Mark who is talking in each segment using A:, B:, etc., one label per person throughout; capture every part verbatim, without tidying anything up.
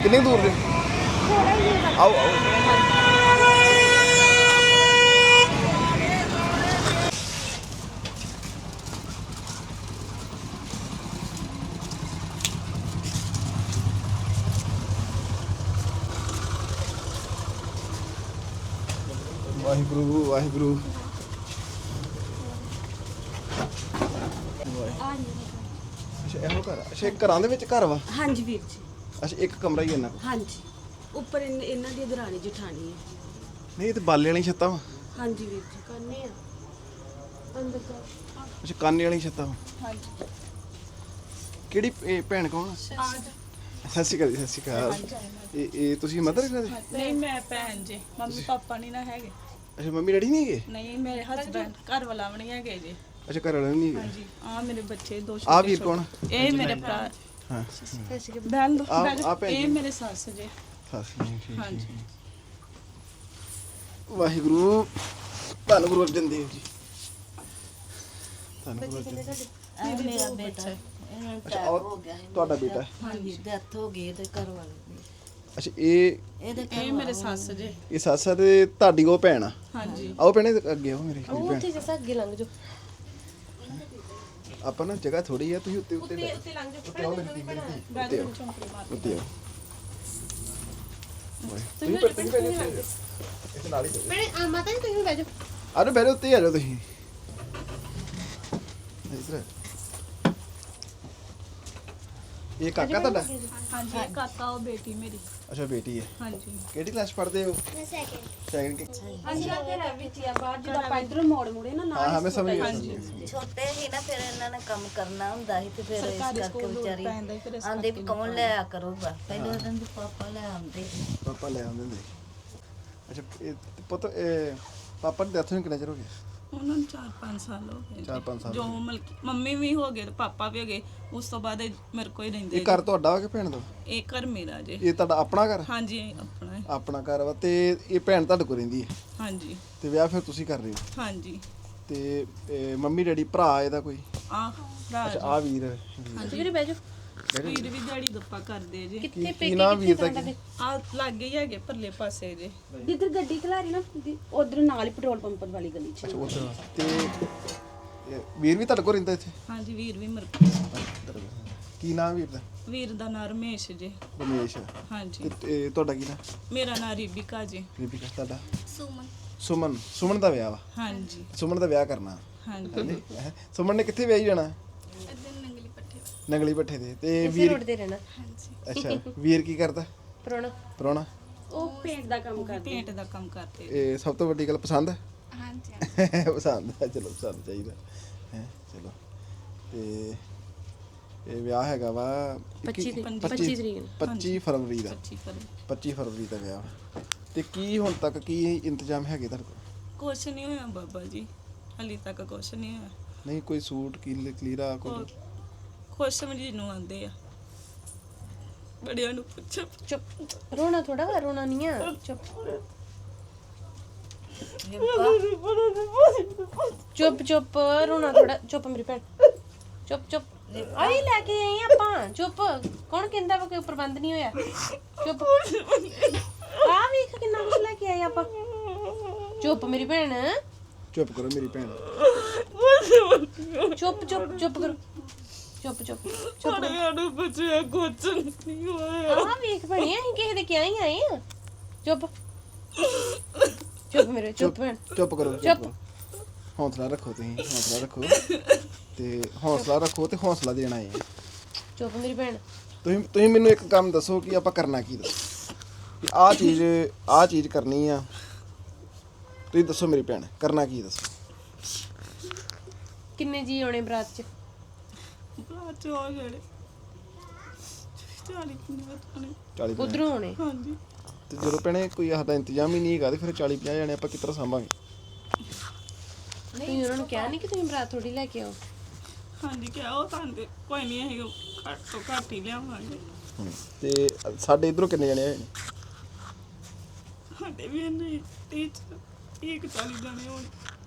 A: ਕਿੰਨੀ ਦੂਰ ਜੇ? ਆਓ ਆਓ ਵਾਹਿਗੁਰੂ ਵਾਹਿਗੁਰੂ ਅੱਛਾ ਇਹੋ ਘਰ ਆ? ਅੱਛਾ ਇਹ ਘਰਾਂ ਦੇ ਵਿੱਚ ਘਰ ਵਾ?
B: ਹਾਂਜੀ ਵੀਰ ਜੀ।
A: ਅੱਛਾ ਇੱਕ ਕਮਰਾ ਹੀ ਇਹਨਾਂ ਕੋਲ?
B: ਹਾਂਜੀ ਉੱਪਰ ਇਨ- ਇਹਨਾਂ ਦੀ ਦਰਾਣੀ ਜਠਾਣੀ ਹੈ।
A: ਨਹੀਂ ਇਹ ਤੇ ਬਾਲੇ ਵਾਲੀ ਛੱਤਾਂ ਵਾ।
B: ਹਾਂਜੀ ਵੀਰ ਜੀ ਕਰਨੇ ਆ ਅੰਦਰ ਜਾ।
A: ਅੱਛਾ ਕਾਨੇ ਵਾਲੀ ਛੱਤਾਂ ਵਾ।
B: ਹਾਂਜੀ
A: ਕਿਹੜੀ ਇਹ ਭੈਣ ਕੌਣ ਆ? ਸਤਿ ਸ਼੍ਰੀ ਅਕਾਲ ਜੀ, ਸਤਿ ਸ਼੍ਰੀ ਅਕਾਲ। ਇਹ ਇਹ ਤੁਸੀਂ ਮਦਰ ਇਹਨਾਂ ਦੇ?
C: ਨਹੀਂ ਮੈਂ ਭੈਣ ਜੀ, ਮੰਮੀ ਪਾਪਾ ਨਹੀਂ ਨਾ ਹੈਗੇ।
A: ਅੱਛਾ ਮੰਮੀ ਡੈਡੀ ਨਹੀਂ ਹੈਗੇ?
C: ਨਹੀਂ ਮੇਰੇ ਹਸਬੰਡ ਘਰ ਵਾਲਾ ਵੀ ਨਹੀਂ ਹੈਗੇ ਜੀ।
A: ਅੱਛਾ ਘਰ ਵਾਲੇ ਨਹੀਂ ਹੈਗੇ?
C: ਹਾਂਜੀ ਆ ਮੇਰੇ ਬੱਚੇ ਦੋ ਛੋਟੇ
A: ਆ ਵੀਰ ਕੌਣ?
C: ਇਹ ਮੇਰੇ ਭਰਾ
A: ਹਾਂ
C: ਬੈਲ ਦੋ
A: ਆ-
C: ਬੈਲ।
A: ਆ ਭੈਣ
C: ਇਹ
A: ਜੀ।
C: ਮੇਰੇ ਸੱਸ ਜੀ।
A: ਸਤਿ ਸ਼੍ਰੀ ਅਕਾਲ।
C: ਹਾਂਜੀ
A: ਵਾਹਿਗੁਰੂ ਧੰਨ ਗੁਰੂ ਅਰਜਨ ਦੇਵ ਜੀ। ਧੰਨ ਗੁਰੂ ਅਰਜਨ ਦੇਵ।
D: ਇਹ ਮੇਰਾ ਬੇਟਾ ਇਹਨਾਂ ਨੂੰ
A: ਅੱਛਾ
D: attack
A: ਔਰ
D: ਹੋ ਗਿਆ ਸੀ।
A: ਤੁਹਾਡਾ ਬੇਟਾ?
D: ਹਾਂਜੀ ਡੈਥ ਹੋ ਗਈ ਇਹਦੇ ਘਰ ਵਾਲੇ ਦੀ।
A: ਅੱਛਾ ਇਹ
D: ਇਹਦੇ ਘਰ
C: ਇਹ ਮੇਰੇ ਸੱਸ ਜੀ।
A: ਇਹ ਸੱਸ ਆ ਤੇ ਤੁਹਾਡੀ ਉਹ ਭੈਣ ਆ?
C: ਹਾਂਜੀ
A: ਆਓ ਭੈਣੇ ਅੱਗੇ ਆਓ ਮੇਰੀ ਭੈਣ।
B: ਉੱਥੇ ਜਿਹਾ ਅੱਗੇ ਲੰਘ ਜਾਓ।
A: ਆਪਾਂ ਨਾ ਜਗ੍ਹਾ ਥੋੜੀ ਆ, ਤੁਸੀਂ ਉੱਤੇ ਉੱਤੇ
B: ਉੱਤੇ ਉੱਤੇ ਲੰਘ ਜਾਓ।
A: ਉੱਤੇ ਆਓ ਮੇਰੀ ਧੀ, ਮੇਰੀ ਧੀ।
C: ਬੈਲ
A: ਉੱਤੇ
C: ਦੋ
A: ਆਓ
C: ਚੌਂਕੜੀ ਮਾਰ।
A: ਉੱਤੇ ਆਓ। ਤੁਸੀਂ ਪਰ ਤੁਸੀਂ ਪਹਿਲੇ ਉੱਤੇ ਇੱਥੇ ਨਾਲ ਹੀ ਬੈਠੋ।
B: ਭੈਣੇ ਆ ਮਾਤਾ ਜੀ ਤੁਸੀਂ ਬਹਿ ਜਾਓ।
A: ਆ ਜਾਓ ਬੈਠੋ, ਉੱਤੇ ਆ ਜਾਓ ਤੁਸੀਂ ਇੱਧਰ। ਇਹ ਕਾਕਾ ਤੁਹਾਡਾ?
C: ਹਾਂਜੀ ਇਹ ਕਾਕਾ ਉਹ ਬੇਟੀ ਮੇਰੀ।
A: ਅੱਛਾ ਬੇਟੀ ਹੈ।
C: ਹਾਂਜੀ
A: ਕਿਹੜੀ ਕਲਾਸ ਪੜ੍ਹਦੇ ਹੋ? ਮੈਂ ਸੈਕਿੰਡ ਸੈਕਿੰਡ।
B: ਹਾਂਜੀ ਆ ਤੇਰਾ ਵਿੱਚ ਹੀ ਆ ਬਾਹਰ ਜਦੋਂ ਆਪਾਂ ਇਧਰੋਂ ਮੋੜ ਮੁੜੇ ਨਾ
A: ਹਾਂ
B: ਨਾਲ
A: ਹਾਂ ਮੈਂ ਸਮਝ ਗਿਆ
C: ਹਾਂਜੀ।
A: ਸਮਝ ਗਿਆ।
D: ਛੋਟੇ ਸੀ ਨਾ ਫਿਰ ਇਹਨਾਂ ਨੇ ਕੰਮ ਕਰਨਾ ਹੁੰਦਾ ਸੀ ਤੇ ਫਿਰ ਇਸ
C: ਸਰਕਾਰੀ
D: ਕਰਕੇ
C: ਸਕੂਲ ਦੂਰ
D: ਵਿਚਾਰੀ
C: ਪੈਂਦਾ ਸੀ, ਫਿਰ ਇਸ
D: ਆਂਦੇ ਵੀ ਕੌਣ ਲਿਆ ਕਰੂਗਾ। ਪਹਿਲੇ ਉਹਨਾਂ ਦੇ ਪਾਪਾ ਲੈ ਆਉਂਦੇ ਸੀ।
A: ਪਾਪਾ ਲੈ ਆਉਂਦੇ ਹੁੰਦੇ ਸੀ। ਅੱਛਾ ਇਹ ਪੁੱਤ ਇਹ ਪਾਪਾ ਦੀ ਡੈਥ ਨੂੰ ਕਿੰਨਾ ਚਿਰ ਹੋ ਗਿਆ?
C: ਉਹਨਾਂ ਨੂੰ ਚਾਰ ਪੰਜ ਸਾਲ ਹੋ ਗਏ ਜੀ।
A: ਚਾਰ ਪੰਜ ਸਾਲ
C: ਜੋ ਮਲਕੀ ਮੰਮੀ ਵੀ ਹੋ ਗਏ ਤੇ ਪਾਪਾ ਵੀ ਹੋ ਗਏ। ਉਸ ਤੋਂ ਬਾਅਦ ਇਹ ਮੇਰੇ ਕੋਲ ਹੀ ਰਹਿੰਦੇ
A: ਇਹ ਘਰ ਤੁਹਾਡਾ ਵਾ ਕਿ ਭੈਣ ਦਾ?
C: ਇਹ ਘਰ ਮੇਰਾ ਜੀ।
A: ਇਹ ਤੁਹਾਡਾ ਆਪਣਾ ਘਰ?
C: ਹਾਂਜੀ ਆਪਣਾ ਹੈ।
A: ਆਪਣਾ ਘਰ ਵਾ ਤੇ ਇਹ ਭੈਣ ਤੁਹਾਡੇ ਕੋਲ ਰਹਿੰਦੀ ਹੈ
C: ਹਾਂਜੀ
A: ਤੇ ਵਿਆਹ ਫਿਰ ਤੁਸੀਂ ਕਰ ਰਹੇ ਹੋ?
C: ਹਾਂਜੀ
A: ਤੇ ਇਹ ਮੰਮੀ ਡੈਡੀ ਭਰਾ ਇਹਦਾ ਕੋਈ?
C: ਆ ਭਰਾ
A: ਅੱਛਾ
C: ਜੀ।
A: ਆ ਵੀਰ ਵੀਰ।
B: ਹਾਂਜੀ ਵੀਰੇ ਬਹਿ ਜਾਓ।
C: ਵੀਰ ਵੀ ਦਿਹਾੜੀ ਦੱਪਾ ਕਰਦੇ ਜੀ।
B: ਕਿੱਥੇ
A: ਕੀ
B: ਪੇਕੇ
A: ਨਾਮ ਵੀਰ ਦਾ?
B: ਤੁਹਾਡੇ?
C: ਆ ਲੱਗੇ ਹੀ ਹੈਗੇ ਪਰਲੇ ਪਾਸੇ ਜੇ।
B: ਜਿੱਧਰ ਗੱਡੀ ਖਲਾਰੀ ਨਾ ਉਧਰ ਨਾਲ ਹੀ ਪੈਟਰੋਲ ਪੰਪ ਵਾਲੀ ਗਲੀ 'ਚ।
A: ਅੱਛਾ ਉੱਧਰ ਵਾ। ਤੇ ਇਹ ਵੀਰ ਵੀ ਤੁਹਾਡੇ ਕੋਲ ਰਹਿੰਦਾ ਇੱਥੇ?
C: ਹਾਂਜੀ ਵੀਰ ਵੀ ਮਰ
A: ਕੀ ਨਾਮ ਵੀਰ ਦਾ?
C: ਵੀਰ ਦਾ ਨਾਂ ਰਮੇਸ਼ ਜੀ।
A: ਰਮੇਸ਼।
C: ਹਾਂਜੀ
A: ਤੇ ਇਹ ਤੁਹਾਡਾ ਕੀ ਨਾਮ?
C: ਮੇਰਾ ਨਾਂ ਰੀਬਿਕਾ ਜੀ।
A: ਰੀਬਿਕਾ। ਤੁਹਾਡਾ?
C: ਸੁਮਨ।
A: ਸੁਮਨ। ਸੁਮਨ ਦਾ ਵਿਆਹ ਵਾ?
C: ਹਾਂਜੀ
A: ਸੁਮਨ ਦਾ ਵਿਆਹ ਕਰਨਾ?
C: ਹਾਂਜੀ
A: ਹਾਂਜੀ ਹੈਂ? ਸੁਮਨ ਨੇ ਕਿੱਥੇ ਵਿਆਹੀ ਜਾਣਾ?
C: ਨੰਗਲੀ ਪੱਠੇ।
A: ਨੰਗਲੀ ਭੱਠੇ ਦੇ। ਤੇ
B: ਇਸੇ
A: ਵੀਰ?
B: ਰੋਡ ਤੇ ਰਹਿਣਾ।
C: ਹਾਂਜੀ
A: ਅੱਛਾ ਵੀਰ ਕੀ ਕਰਦਾ?
B: ਪਰੋਣਾ
A: ਪ੍ਰਾਹੁਣਾ?
B: ਉਹ ਪੇਂਟ ਦਾ ਕੰਮ ਕਰਦਾ।
C: ਪੇਂਟ ਦਾ ਕੰਮ ਕਰਦੇ।
A: ਇਹ ਸਭ ਤੋਂ ਵੱਡੀ ਗੱਲ ਪਸੰਦ ਹੈ?
C: ਹਾਂਜੀ
A: ਪਸੰਦ ਹੈ, ਚਲੋ ਪਸੰਦ ਚਾਹੀਦਾ ਹੈ। ਚਲੋ ਤੇ ਇਹ ਵਿਆਹ ਹੈਗਾ ਵਾ
B: ਪੱਚੀ
A: ਇੱਕੀ-
B: ਤਰੀਕ ਪੱਚੀ ਤਰੀਕ ਨੂੰ।
A: ਪੱਚੀ ਫਰਵਰੀ ਦਾ।
C: ਪੱਚੀ ਫਰਵਰੀ।
A: ਪੱਚੀ ਫਰਵਰੀ ਦਾ ਵਿਆਹ ਵਾ। ਤੇ ਕੀ ਹੁਣ ਤੱਕ ਕੀ ਇੰਤਜ਼ਾਮ ਹੈਗੇ ਤੁਹਾਡੇ ਕੋਲ?
C: ਕੁਛ ਨਹੀਂ ਹੋਇਆ ਬਾਬਾ ਜੀ, ਹਾਲੇ ਤੱਕ ਕੁਛ ਨਹੀਂ ਹੋਇਆ।
A: ਨਹੀਂ ਕੋਈ ਸੂਟ ਕੀਲ ਕਲੀਰਾ ਕੋਈ?
C: ਕੁ- ਕੁਛ ਮਰੀਜ਼ ਨੂੰ ਆਂਦੇ ਆ, ਬੜਿਆਂ ਨੂੰ ਪੁੱਛੋ।
B: ਚੁੱਪ ਰੋਣਾ ਥੋੜਾ ਵਾ, ਰੋਣਾ ਨਹੀਂ ਆ। ਚੁੱਪ ਚੁੱਪ ਚੁੱਪ ਰੋਣਾ ਥੋੜਾ। ਚੁੱਪ ਮੇਰੀ ਭੈਣ। ਚੁੱਪ ਚੁੱਪ ਆਈ ਲੈ ਕੇ ਆਈ ਆਪਾਂ। ਚੁੱਪ। ਕੌਣ ਕਹਿੰਦਾ ਵਾ ਕੋਈ ਪ੍ਰਬੰਧ ਨਹੀਂ ਹੋਇਆ? ਚੁੱਪ। ਆ ਵੇਖ ਕਿੰਨਾ ਕੁਛ ਲੈ ਕੇ ਆਏ ਆਪਾਂ। ਚੁੱਪ ਮੇਰੀ ਭੈਣ।
A: ਚੁੱਪ ਕਰੋ ਮੇਰੀ ਭੈਣ।
B: ਚੁੱਪ ਚੁੱਪ ਚੁੱਪ ਕਰੋ। ਚੁੱਪ ਚੁੱਪ ਚੁੱਪ
C: ਬੜਿਆਂ ਨੂੰ ਪੁੱਛਿਆ ਕੁਛ ਨਹੀਂ ਹੋਇਆ।
B: ਆ ਵੇਖ ਭੈਣੇ ਅਸੀਂ ਕਿਸੇ ਦੇ ਕਿਹਾ ਹੀ ਆਏ ਆ। ਚੁੱਪ ਚੁੱਪ ਮੇਰੇ ਚੁੱਪ ਭੈਣ।
A: ਚੁੱਪ ਕਰੋ
B: ਚੁੱਪ।
A: ਚੁੱਪ। ਹੌਸਲਾ ਰੱਖੋ ਤੁਸੀਂ, ਹੌਸਲਾ ਰੱਖੋ ਤੇ ਹੌਸਲਾ ਰੱਖੋ ਤੇ ਹੌਸਲਾ ਦੇਣਾ ਹੈ।
B: ਚੁੱਪ ਮੇਰੀ ਭੈਣ।
A: ਤੁਸੀਂ ਤੁਸੀਂ ਮੈਨੂੰ ਇੱਕ ਕੰਮ ਦੱਸੋ ਕਿ ਆਪਾਂ ਕਰਨਾ ਕੀ? ਦੱਸੋ ਕਿ ਆਹ ਚੀਜ਼ ਆਹ ਚੀਜ਼ ਕਰਨੀ ਆ। ਤੁਸੀਂ ਦੱਸੋ ਮੇਰੀ ਭੈਣ ਕਰਨਾ ਕੀ? ਦੱਸੋ।
B: ਕਿੰਨੇ ਜੀ ਆਉਣੇ ਬਰਾਤ 'ਚ?
C: ਬਾਅਦ ਚ ਹੋ ਜਿਹੜੇ ਚਾਲੀ ਕਿੰਨੇ ਵਤਨੇ।
A: ਚਾਲੀ ਪੰਜਾਹ।
B: ਉਧਰੋਂ ਆਉਣੇ।
C: ਹਾਂਜੀ
A: ਤੇ ਜਦੋਂ ਭੈਣੇ ਕੋਈ ਸਾਡਾ ਇੰਤਜ਼ਾਮ ਹੀ ਨਹੀਂ ਹੈਗਾ ਤੇ ਫਿਰ ਚਾਲੀ ਪੰਜਾਹ ਜਾਣੇ ਆਪਾਂ ਕਿਸ ਤਰ੍ਹਾਂ ਸਾਂਭਾਂਗੇ?
B: ਤੁਸੀਂ ਉਹਨਾਂ ਨੂੰ ਕਿਹਾ ਨਹੀਂ ਕਿ ਤੁਸੀਂ ਬਰਾਤ ਥੋੜੀ ਲੈ ਕੇ ਆਓ?
C: ਹਾਂਜੀ ਕਿਹਾ ਉਹ ਤਾਂ ਦੇ ਕੋਈ ਨਹੀਂ ਹੈ ਘੱਟ ਤੋਂ ਘੱਟ ਹੀ ਲਿਆਵਾਂਗੇ।
A: ਤੇ ਸਾਡੇ ਇਧਰੋਂ ਕਿੰਨੇ ਜਾਣੇ ਆਏ ਨੇ?
C: ਸਾਡੇ ਵੀ ਨਹੀਂ ਤੀਜ ਇੱਕ ਚਾਲੀ ਜਾਣੇ ਹੋਣ।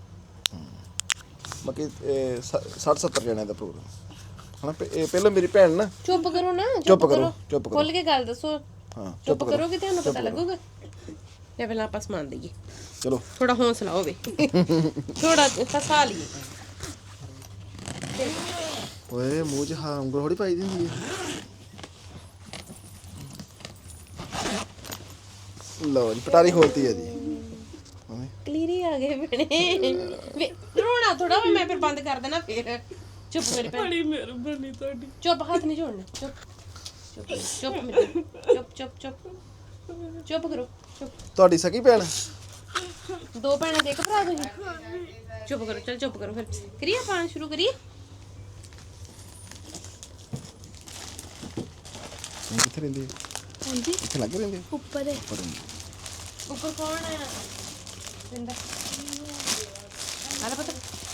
A: ਬਾਕੀ ਸੱਠ ਸੱਤਰ ਜਣਿਆਂ ਦਾ ਪ੍ਰੋਗਰਾਮ ਹਨਾ। ਪ- ਇਹ ਪਹਿਲਾਂ ਮੇਰੀ ਭੈਣ ਨਾ
B: ਚੁੱਪ ਕਰੋ ਨਾ।
A: ਚੁੱਪ ਕਰੋ, ਚੁੱਪ ਕਰੋ।
B: ਖੁੱਲ ਕੇ ਗੱਲ ਦੱਸੋ।
A: ਹਾਂ
B: ਚੁੱਪ ਕਰੋਗੇ ਤੁਹਾਨੂੰ ਪਤਾ ਲੱਗੂਗਾ। ਲੈ ਪਹਿਲਾਂ ਆਪਾਂ ਸਮਾਨ ਦਈਏ,
A: ਚਲੋ
B: ਥੋੜਾ ਹੌਸਲਾ ਹੋਵੇ, ਥੋੜਾ ਫਸਾ ਲਈਏ।
A: ਓਏ ਮੂੰਹ 'ਚ ਹਾਂ ਉਂਗਲ ਥੋੜੀ ਪਾਈ ਦੀ ਹੁੰਦੀ ਹੈ। ਲਓ ਜੀ ਪਟਾਰੀ ਖੋਲਤੀ ਹੈ ਜੀ।
B: ਕਲੀਰੀ ਆ ਗਏ ਬਣੇ ਵੇ ਰੋਣਾ ਥੋੜਾ ਵਾ, ਮੈਂ ਫਿਰ ਬੰਦ ਕਰ ਦੇਣਾ ਫਿਰ। ਚੁੱਪ ਮੇਰੀ ਭੈਣ,
C: ਬੜੀ ਮਿਹਰਬਾਨੀ ਤੁਹਾਡੀ।
B: ਚੁੱਪ, ਹੱਥ ਨਹੀਂ ਜੋੜਨਾ। ਚੁੱਪ ਚੁੱਪ ਚੁੱਪ ਮੇਰੀ ਭੈਣ, ਚੁੱਪ ਚੁੱਪ ਚੁੱਪ ਚੁੱਪ ਕਰੋ। ਚੁੱਪ।
A: ਤੁਹਾਡੀ ਸਕੀ ਭੈਣ?
B: ਦੋ ਭੈਣਾਂ ਤੇ ਇੱਕ ਭਰਾ ਤੁਸੀਂ? ਚੁੱਪ ਕਰੋ, ਚਲ ਚੁੱਪ ਕਰੋ ਫਿਰ। ਕਰੀਏ ਪਾਣ ਸ਼ੁਰੂ ਕਰੀਏ।
A: ਇਹ ਕਿੱਥੇ ਰਹਿੰਦੇ ਆ?
B: ਹਾਂਜੀ
A: ਇੱਥੇ ਲੱਗ ਰਹਿੰਦੇ ਆ?
B: ਉੱਪਰ ਹੈ।
A: ਉੱਪਰ ਰਹਿੰਦੇ।
B: ਉੱਪਰ ਕੌਣ ਹੈ? ਰਿੰਦਾ ਆਲਾ ਪਤਾ।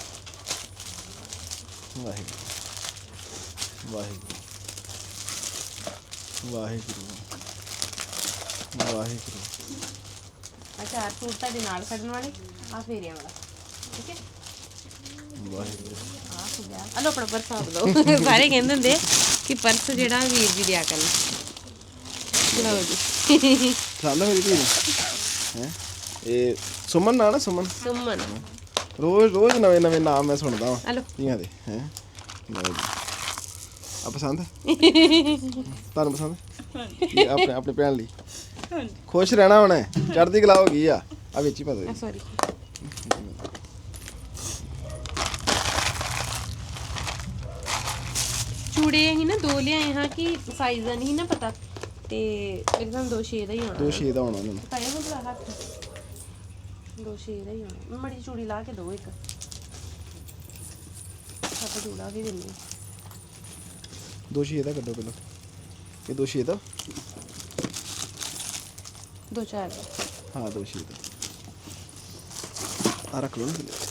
A: ਵਾਹਿਗੁਰੂ ਵਾਹਿਗੁਰੂ ਵਾਹਿਗੁਰੂ ਵਾਹਿਗੁਰੂ।
B: ਅੱਛਾ ਸੂਟ ਤੁਹਾਡੇ ਨਾਲ ਕੱਢਣ ਵਾਲੇ ਆ ਫੇਰਿਆਂ ਵਾਲਾ, ਠੀਕ ਹੈ।
A: ਵਾਹਿਗੁਰੂ
B: ਆ ਹੋ ਗਿਆ। ਆ ਲੋ ਆਪਣਾ ਪਰਸ ਆਪ ਲਓ। ਸਾਰੇ ਕਹਿੰਦੇ ਹੁੰਦੇ ਕਿ ਪਰਸ ਜਿਹੜਾ ਵੀਰ ਜੀ ਦਿਆ ਕਰਨ। ਲਓ ਜੀ
A: ਸਾਹਮਣੇ ਮੇਰੀ ਧੀ ਹੈ ਇਹ ਸੁਮਨ ਨਾ ਨਾ ਸੁਮਨ।
B: ਸੁਮਨ
A: ਰੋਜ਼ ਰੋਜ਼ ਨਵੇਂ ਨਵੇਂ ਨਾਮ ਮੈਂ ਸੁਣਦਾ
B: ਆ
A: ਵਾਂ
B: ਲਓ।
A: ਧੀਆਂ ਦੇ ਹੈ। ਆ ਪਸੰਦ ਤੁਹਾਨੂੰ ਪਸੰਦ ਇਹ ਆਪਣੇ ਆਪਣੇ ਭੈਣ ਲਈ
C: ਹਾਂਜੀ
A: ਖੁਸ਼ ਰਹਿਣਾ ਹੁਣ, ਚੜ੍ਹਦੀ ਕਲਾ ਹੋ ਗਈ ਆ। ਆ ਵਿੱਚ ਹੀ ਪਾ ਦੇ।
B: ਸੌਰੀ ਚੂੜੇ ਅਸੀਂ ਨਾ ਦੋ ਲਿਆਏ ਹਾਂ ਕਿ ਸਾਈਜ਼ ਦਾ ਨਹੀਂ ਨਾ ਪਤਾ, ਤੇ ਇੱਕਦਮ ਦੋ ਛੇ ਦਾ ਹੀ ਆਉਣਾ।
A: ਦੋ ਛੇ ਦਾ ਹੋਣਾ ਉਹਨਾਂ ਨੂੰ।
B: ਪਾਇਆ ਹੋ ਬਲਾ ਹੱਥ ਦੋ ਛੇ ਦਾ ਹੀ ਆਉਣਾ। ਮੜੀ ਚੂੜੀ ਲਾ ਕੇ ਦੋ ਇੱਕ ਸੱਤ ਚੂੜਾ ਵੀ ਦਿੰਦੀ।
A: ਦੋ ਛੇ ਦਾ ਕੱਢੋ ਪਹਿਲਾਂ। ਇਹ ਦੋ ਛੇ ਦਾ?
B: ਦੋ ਚਾਰ
A: ਹਾਂ ਦੋ ਛੇ ਦਾ। ਆ ਰੱਖ ਲਓ ਨਾ ਥੱਲੇ।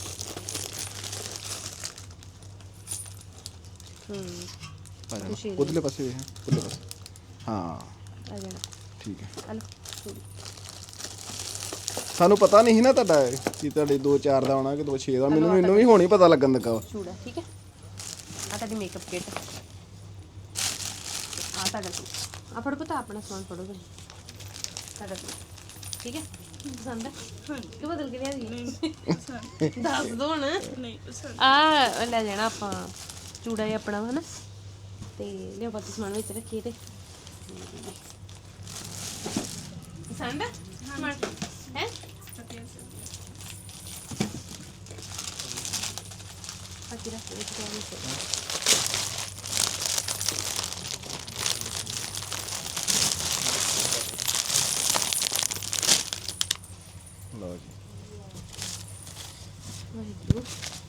B: ਹੂੰ
A: ਆ
B: ਦੋ ਛੇ
A: ਜਾਣਾ
B: ਦਾ।
A: ਉਧਰਲੇ ਪਾਸੇ ਵੇਖ, ਉਧਰਲੇ ਪਾਸੇ। ਹਾਂ
B: ਆ ਜਾਣਾ।
A: ਠੀਕ ਹੈ।
B: ਆ ਲਓ ਚੂੜੀ।
A: ਸਾਨੂੰ ਪਤਾ ਨਹੀਂ ਸੀ ਨਾ ਤੁਹਾਡਾ ਕਿ ਤੁਹਾਡੇ ਦੋ ਚਾਰ ਦਾ ਆਉਣਾ ਕਿ ਦੋ ਛੇ ਦਾ। ਮੈਨੂੰ ਮੈਨੂੰ ਵੀ ਹੁਣ ਹੀ ਪਤਾ ਲੱਗਣ ਲੱਗਾ ਵਾ।
B: ਚੂੜਾ ਠੀਕ ਹੈ। ਆ ਤੁਹਾਡੀ ਮੇਕਅਪ ਕਿੱਟ। ਆ ਤੁਹਾਡਾ ਸੂਟ। ਆ ਫੜੋ ਪਤਾ ਆਪਣਾ ਸਮਾਨ ਫੜੋ ਤੁਸੀਂ। ਤੁਹਾਡਾ ਸੂਟ ਠੀਕ ਹੈ। ਪਸੰਦ ਹੈ ਕਿ ਬਦਲ ਕੇ ਲਿਆ ਜੀ?
C: ਨਹੀਂ ਪਸੰਦ
B: ਦੱਸ ਦੋ ਹੁਣ।
C: ਨਹੀਂ ਪਸੰਦ।
B: ਆ ਲੈ ਜਾਣਾ ਆਪਾਂ ਚੂੜਾ ਹੀ ਆਪਣਾ ਵਾ ਨਾ, ਤੇ ਲਿਓ ਬਾਕੀ ਸਮਾਨ ਵਿੱਚ ਰੱਖੀਏ। ਤੇ ਪਸੰਦ ਹੈ ਸਮਾਨ ਹੈ? ਬਾਕੀ ਰੱਖ ਵਿੱਚ ਪਿਆ ਵਿੱਚ।
A: ਲਓ ਜੀ
B: ਵਾਹਿਗੁਰੂ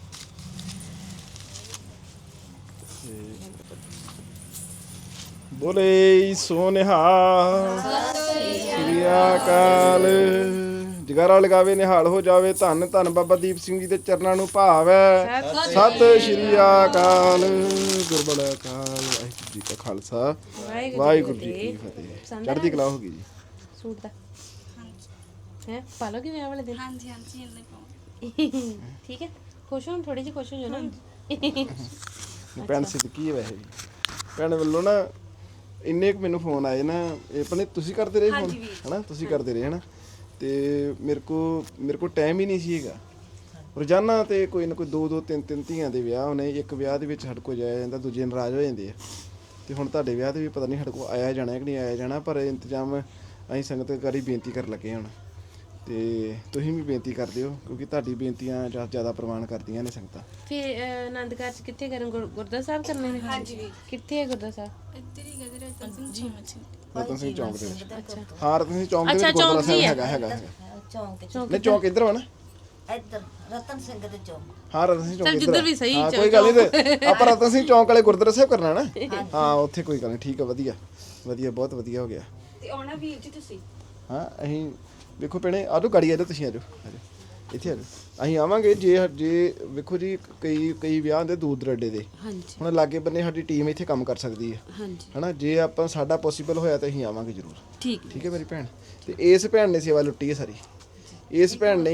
A: ਬੋਲੇ ਸੋਨਿਹਾਲ ਸ੍ਰੀ ਅਕਾਲ। ਜਗਾਰਾ ਲਗਾਵੇ ਨਿਹਾਲ ਹੋ ਜਾਵੇ। ਧੰਨ ਧੰਨ ਬਾਬਾ ਦੀਪ ਸਿੰਘ ਜੀ ਦੇ ਚਰਨਾਂ ਨੂੰ ਭਾਵੈ। ਸਤਿ ਸ੍ਰੀ ਅਕਾਲ। ਗੁਰਬਖਸ਼ ਅਕਾਲ। ਵਾਹਿਗੁਰੂ ਜੀ ਕਾ ਖਾਲਸਾ ਵਾਹਿਗੁਰੂ ਜੀ ਕੀ ਫਤਿਹ। ਚੜ੍ਹਦੀ ਕਲਾ ਹੋ ਗਈ ਜੀ।
B: ਸੂਟ ਦਾ
C: ਹਾਂਜੀ
B: ਹੈ ਪਾ ਲੋਗੇ ਵਿਆਹ ਵਾਲੇ ਦਿਨ?
C: ਹਾਂਜੀ ਹਾਂਜੀ ਇੰਨੇ ਪਾਉਂ।
B: ਠੀਕ ਹੈ। ਖੁਸ਼ ਹੋ ਥੋੜੀ ਜਿਹੀ, ਖੁਸ਼ ਹੋ ਜਾਓ ਨਾ।
A: ਭੈਣ ਸਿੱਧਕੀ ਹੈ ਵੈਸੇ ਵੀ। ਭੈਣ ਵੱਲੋਂ ਨਾ ਇੰਨੇ ਕੁ ਮੈਨੂੰ ਫੋਨ ਆਏ ਨਾ। ਇਹ ਆਪਣੇ ਤੁਸੀਂ ਕਰਦੇ ਰਹੇ ਫੋਨ ਹਨਾ? ਤੁਸੀਂ ਕਰਦੇ ਰਹੇ ਹਨਾ? ਤੇ ਮੇਰੇ ਕੋ ਮੇਰੇ ਕੋ ਟਾਈਮ ਹੀ ਨਹੀਂ ਸੀ ਹੈਗਾ। ਰੋਜ਼ਾਨਾ ਤੇ ਕੋਈ ਨਾ ਕੋਈ ਦੋ ਦੋ ਤਿੰਨ ਤਿੰਨ ਧੀਆਂ ਦੇ ਵਿਆਹ ਹੋਣੇ। ਇੱਕ ਵਿਆਹ ਦੇ ਵਿੱਚ ਸਾਡੇ ਕੋਲ ਜਾਇਆ ਜਾਂਦਾ, ਦੂਜੇ ਨਾਰਾਜ਼ ਹੋ ਜਾਂਦੇ ਆ। ਤੇ ਹੁਣ ਤੁਹਾਡੇ ਵਿਆਹ ਤੇ ਵੀ ਪਤਾ ਨਹੀਂ ਸਾਡੇ ਕੋਲ ਆਇਆ ਜਾਣਾ ਕਿ ਨਹੀਂ ਆਇਆ ਜਾਣਾ, ਪਰ ਇੰਤਜ਼ਾਮ ਅਸੀਂ ਸੰਗਤ ਕਰੀ ਬੇਨਤੀ ਕਰਨ ਲੱਗੇ ਹੁਣ। ਤੇ ਤੁਸੀਂ ਵੀ ਬੇਨਤੀ ਕਰਦੇ ਹੋ ਕਿਉਂਕਿ ਤੁਹਾਡੀ ਬੇਨਤੀਆਂ ਜ਼ਿਆਦਾ ਪ੍ਰਵਾਨ ਕਰਦੀਆਂ ਨੇ ਸੰਗਤਾਂ।
B: ਫਿਰ ਆਨੰਦ ਕਾਰਜ ਕਿੱਥੇ ਕਰਨ? ਗੁਰ- ਗੁਰਦੁਆਰਾ ਸਾਹਿਬ ਕਰਨੇ ਨੇ? ਹਾਂਜੀ ਕਿੱਥੇ ਹੈ ਗੁਰਦੁਆਰਾ ਸਾਹਿਬ?
C: ਇੱਧਰ ਹੀ ਗਦਰ ਰਤਨ ਸਿੰਘ ਜੀ ਮੱਛੀ।
A: ਰਤਨ ਸਿੰਘ ਚੌਂਕ ਦੇ ਵਿੱਚ।
B: ਅੱਛਾ
A: ਹਾਂ ਰਤਨ ਸਿੰਘ ਚੌਂਕ ਦੇ
B: ਅੱਛਾ,
A: ਵਿੱਚ ਗੁਰਦੁਆਰਾ
B: ਚੌਂਕ
A: ਸਾਹਿਬ
B: ਹੀ ਹੈ।
A: ਹੈਗਾ ਹੈਗਾ ਹੈਗਾ।
D: ਚੌਂਕ ਚ
A: ਨਹੀਂ ਚੌਂਕ ਇੱਧਰ ਵਾ ਨਾ।
D: ਇੱਧਰ ਰਤਨ ਸਿੰਘ ਦੇ ਚੌਂਕ।
A: ਹਾਂ ਰਤਨ ਸਿੰਘ ਚੌਂਕ
B: ਚੱਲ
A: ਇੱਧਰ
B: ਜਿੱਧਰ
A: ਆ।
B: ਵੀ ਸਹੀ
A: ਹਾਂ
B: ਚੌਂਕ।
A: ਕੋਈ ਗੱਲ ਨਹੀਂ। ਤੇ ਆਪਾਂ ਰਤਨ ਸਿੰਘ ਚੌਂਕ ਵਾਲੇ ਗੁਰਦੁਆਰਾ ਸਾਹਿਬ ਕਰਨਾ ਨਾ। ਹਾਂ ਉੱਥੇ ਕੋਈ ਗੱਲ ਨਹੀਂ। ਠੀਕ ਆ ਵਧੀਆ ਵਧੀਆ ਬਹੁਤ ਵਧੀਆ ਹੋ ਗਿਆ।
C: ਤੇ ਆਉਣਾ ਵੀਰ ਜੀ ਤੁਸੀਂ?
A: ਹਾਂ ਅਸੀਂ ਵੇਖੋ ਭੈਣੇ ਆਜੋ ਗਾੜੀ ਆਜੋ ਤੁਸੀਂ ਆਜੋ ਆਜੋ ਇੱਥੇ ਆਜੋ। ਅਸੀਂ ਆਵਾਂਗੇ ਜੇ ਜੇ ਵੇਖੋ ਜੀ ਕਈ ਕਈ ਵਿਆਹ ਹੁੰਦੇ ਦੂਰ ਦਰਾਡੇ ਦੇ।
B: ਹਾਂਜੀ
A: ਹੁਣ ਲਾਗੇ ਬੰਨੇ ਸਾਡੀ ਟੀਮ ਇੱਥੇ ਕੰਮ ਕਰ ਸਕਦੀ ਹੈ
B: ਹਾਂਜੀ
A: ਹਨਾ? ਜੇ ਆਪਾਂ ਸਾਡਾ ਪੋਸੀਬਲ ਹੋਇਆ ਤਾਂ ਅਸੀਂ ਆਵਾਂਗੇ ਜ਼ਰੂਰ।
B: ਠੀਕ
A: ਠੀਕ ਹੈ ਮੇਰੀ ਭੈਣ। ਤੇ ਇਸ ਭੈਣ ਨੇ ਸੇਵਾ ਲੁੱਟੀ ਹੈ ਸਾਰੀ। ਇਸ ਭੈਣ ਨੇ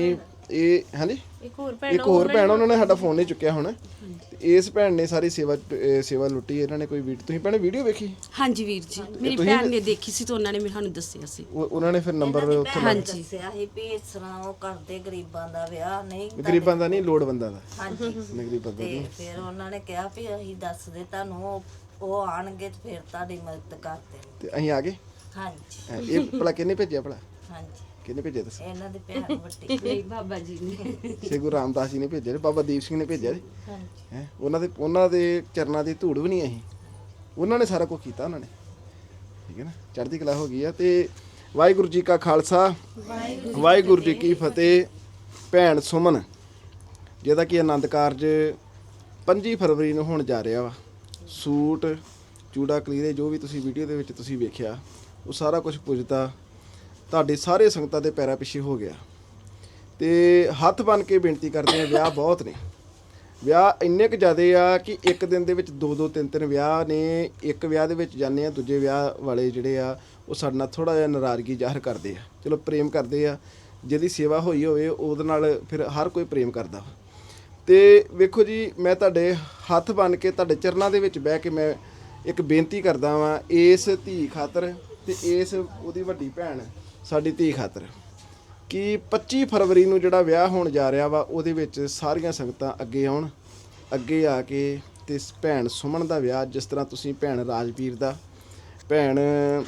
A: ਇਹ ਹਾਂਜੀ
B: ਇੱਕ ਹੋਰ ਭੈਣ
A: ਇੱਕ ਹੋਰ ਭੈਣ ਉਹਨਾਂ ਨੇ ਸਾਡਾ ਫੋਨ ਨਹੀਂ ਚੁੱਕਿਆ ਹੁਣ ਤੇ ਇਸ ਭੈਣ ਨੇ ਸਾਰੀ ਸੇਵਾ ਅਹ ਸੇਵਾ ਲੁੱਟੀ ਇਹਨਾਂ ਨੇ ਕੋਈ ਵੀਡੀਓ ਤੁਸੀਂ ਭੈਣੇ ਵੀਡੀਓ ਵੇਖੀ
E: ਹਾਂਜੀ ਵੀਰ ਜੀ ਮੇਰੀ ਭੈਣ ਨੇ ਦੇਖੀ ਸੀ ਤਾਂ ਉਹਨਾਂ ਨੇ ਮੈਨੂੰ ਦੱਸਿਆ ਸੀ
A: ਉਹ- ਉਹਨਾਂ ਨੇ ਫਿਰ ਨੰਬਰ ਉੱਥੇ
D: ਹਾਂਜੀ ਦੱਸਿਆ ਸੀ ਵੀ ਇਸ ਤਰ੍ਹਾਂ ਉਹ ਕਰਦੇ ਗਰੀਬਾਂ ਦਾ ਵਿਆਹ ਨਹੀਂ
A: ਗਰੀਬਾਂ ਦਾ ਨਹੀਂ ਲੋੜਵੰਦਾਂ ਦਾ
D: ਹਾਂਜੀ
A: ਗਰੀਬਾਂ ਦਾ
D: ਤੇ ਫਿਰ ਉਹਨਾਂ ਨੇ ਕਿਹਾ ਵੀ ਅਸੀਂ ਦੱਸਦੇ ਤੁਹਾਨੂੰ ਉਹ- ਉਹ ਆਣਗੇ ਤੇ ਫਿਰ ਤੁਹਾਡੀ ਮਦਦ ਕਰਦੇ
A: ਤੇ ਅਸੀਂ ਆ ਗਏ
D: ਹਾਂਜੀ
A: ਹੈਂ, ਇਹ ਭਲਾ ਕਿਹਨੇ ਭੇਜਿਆ ਭਲਾ
D: ਹਾਂਜੀ
A: ਕਿਹਨੇ ਭੇਜਿਆ ਦੱਸੋ
D: ਇਹਨਾਂ ਦੀ ਭੈਣ ਵੱਡੀ
E: ਮੇਰੀ ਬਾਬਾ ਜੀ ਨੇ
A: ਸ਼੍ਰੀ ਗੁਰੂ ਰਾਮਦਾਸ ਜੀ ਨੇ ਭੇਜਿਆ ਤੇ ਬਾਬਾ ਦੀਪ ਸਿੰਘ ਨੇ ਭੇਜਿਆ
D: ਹਾਂਜੀ
A: ਹੈ ਉਹਨਾਂ ਦੇ ਉਹਨਾਂ ਦੇ ਚਰਨਾਂ ਦੀ ਧੂੜ ਵੀ ਨਹੀਂ ਅਸੀਂ ਉਹਨਾਂ ਨੇ ਸਾਰਾ ਕੁਝ ਕੀਤਾ ਉਹਨਾਂ ਨੇ ਠੀਕ ਹੈ ਨਾ ਚੜ੍ਹਦੀ ਕਲਾ ਹੋ ਗਈ ਆ ਤੇ ਵਾਹਿਗੁਰੂ ਜੀ ਕਾ ਖਾਲਸਾ ਵਾਹਿਗੁਰੂ ਜੀ ਕੀ ਫਤਿਹ। ਭੈਣ ਸੁਮਨ ਜਿਹਦਾ ਕਿ ਆਨੰਦ ਕਾਰਜ ਪੱਚੀ ਫਰਵਰੀ ਨੂੰ ਹੋਣ ਜਾ ਰਿਹਾ ਵਾ ਸੂਟ ਚੂੜਾ ਕਲੀਰੇ ਜੋ ਵੀ ਤੁਸੀਂ ਵੀਡੀਓ ਦੇ ਵਿੱਚ ਤੁਸੀਂ ਵੇਖਿਆ ਉਹ ਸਾਰਾ ਕੁਝ ਪੁੱਜਦਾ ਤੁਹਾਡੇ ਸਾਰੇ ਸੰਗਤਾਂ ਦੇ ਪੈਰਾਂ ਪਿੱਛੇ ਹੋ ਗਿਆ ਤੇ ਹੱਥ ਬੰਨ ਕੇ ਬੇਨਤੀ ਕਰਦੇ ਆ ਵਿਆਹ ਬਹੁਤ ਨੇ ਵਿਆਹ ਇੰਨੇ ਕੁ ਜ਼ਿਆਦੇ ਆ ਕਿ ਇੱਕ ਦਿਨ ਦੇ ਵਿੱਚ ਦੋ ਦੋ ਤਿੰਨ ਤਿੰਨ ਵਿਆਹ ਨੇ ਇੱਕ ਵਿਆਹ ਦੇ ਵਿੱਚ ਜਾਂਦੇ ਆ ਦੂਜੇ ਵਿਆਹ ਵਾਲੇ ਜਿਹੜੇ ਆ ਉਹ ਸਾਡੇ ਨਾਲ ਥੋੜਾ ਜਿਹਾ ਨਾਰਾਜ਼ਗੀ ਜ਼ਾਹਰ ਕਰਦੇ ਆ ਚਲੋ ਪ੍ਰੇਮ ਕਰਦੇ ਆ ਜਿਹਦੀ ਸੇਵਾ ਹੋਈ ਹੋਵੇ ਉਹਦੇ ਨਾਲ ਫਿਰ ਹਰ ਕੋਈ ਪ੍ਰੇਮ ਕਰਦਾ ਤੇ ਵੇਖੋ ਜੀ ਮੈਂ ਤੁਹਾਡੇ ਹੱਥ ਬੰਨ ਕੇ ਤੁਹਾਡੇ ਚਰਨਾਂ ਦੇ ਵਿੱਚ ਬਹਿ ਕੇ ਮੈਂ ਇੱਕ ਬੇਨਤੀ ਕਰਦਾ ਵਾਂ ਇਸ ਧੀ ਖਾਤਰ ਤੇ ਇਸ ਉਹਦੀ ਵੱਡੀ ਭੈਣ ਸਾਡੀ ਧੀ ਖਾਤਰ ਕਿ ਪੱਚੀ ਫਰਵਰੀ ਨੂੰ ਜਿਹੜਾ ਵਿਆਹ ਹੋਣ ਜਾ ਰਿਹਾ ਵਾ ਉਹਦੇ ਵਿੱਚ ਸਾਰੀਆਂ ਸੰਗਤਾਂ ਅੱਗੇ ਆਉਣ ਅੱਗੇ ਆ ਕੇ ਤੇ ਭੈਣ ਸੁਮਨ ਦਾ ਵਿਆਹ ਜਿਸ ਤਰ੍ਹਾਂ ਤੁਸੀਂ ਭੈਣ ਰਾਜਵੀਰ ਦਾ ਭੈਣ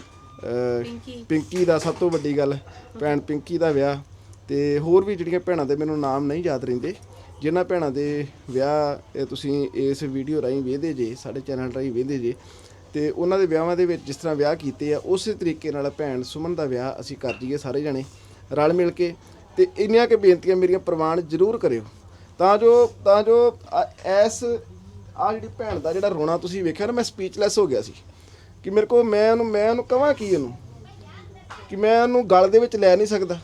A: ਅਹ, ਪਿੰਕੀ ਦਾ ਸਭ ਤੋਂ ਵੱਡੀ ਗੱਲ ਭੈਣ ਪਿੰਕੀ ਦਾ ਵਿਆਹ ਤੇ ਹੋਰ ਵੀ ਜਿਹੜੀਆਂ ਭੈਣਾਂ ਦੇ ਮੈਨੂੰ ਨਾਮ ਨਹੀਂ ਯਾਦ ਰਹਿੰਦੇ ਜਿਨ੍ਹਾਂ ਭੈਣਾਂ ਦੇ ਵਿਆਹ ਇਹ ਤੁਸੀਂ ਇਸ ਵੀਡੀਓ ਰਾਹੀਂ ਵੇਖਦੇ ਜੇ ਸਾਡੇ ਚੈਨਲ ਰਾਹੀਂ ਵੇਖਦੇ ਜੇ ਤੇ ਉਹਨਾਂ ਦੇ ਵਿਆਹਾਂ ਦੇ ਵਿੱਚ ਜਿਸ ਤਰ੍ਹਾਂ ਵਿਆਹ ਕੀਤੇ ਆ ਉਸੇ ਤਰੀਕੇ ਨਾਲ ਭੈਣ ਸੁਮਨ ਦਾ ਵਿਆਹ ਅਸੀਂ ਕਰ ਜੀਏ ਸਾਰੇ ਜਣੇ ਰਲ ਮਿਲ ਕੇ ਤੇ ਇੰਨੀਆਂ ਕਿ ਬੇਨਤੀਆਂ ਮੇਰੀਆਂ ਪ੍ਰਵਾਨ ਜ਼ਰੂਰ ਕਰਿਓ ਤਾਂ ਜੋ ਤਾਂ ਜੋ ਐਸ ਆ ਜਿਹੜੀ ਭੈਣ ਦਾ ਜਿਹੜਾ ਰੋਣਾ ਤੁਸੀਂ ਵੇਖਿਆ ਨਾ ਮੈਂ ਸਪੀਚਲੈਸ ਹੋ ਗਿਆ ਸੀ ਕਿ ਮੇਰੇ ਕੋਲ ਮੈਂ ਉਹਨੂੰ ਮੈਂ ਉਹਨੂੰ ਕਹਾਂ ਕੀ ਉਹਨੂੰ ਕਿ ਮੈਂ ਉਹਨੂੰ ਗਲ ਦੇ ਵਿੱਚ ਲੈ ਨਹੀਂ ਸਕਦਾ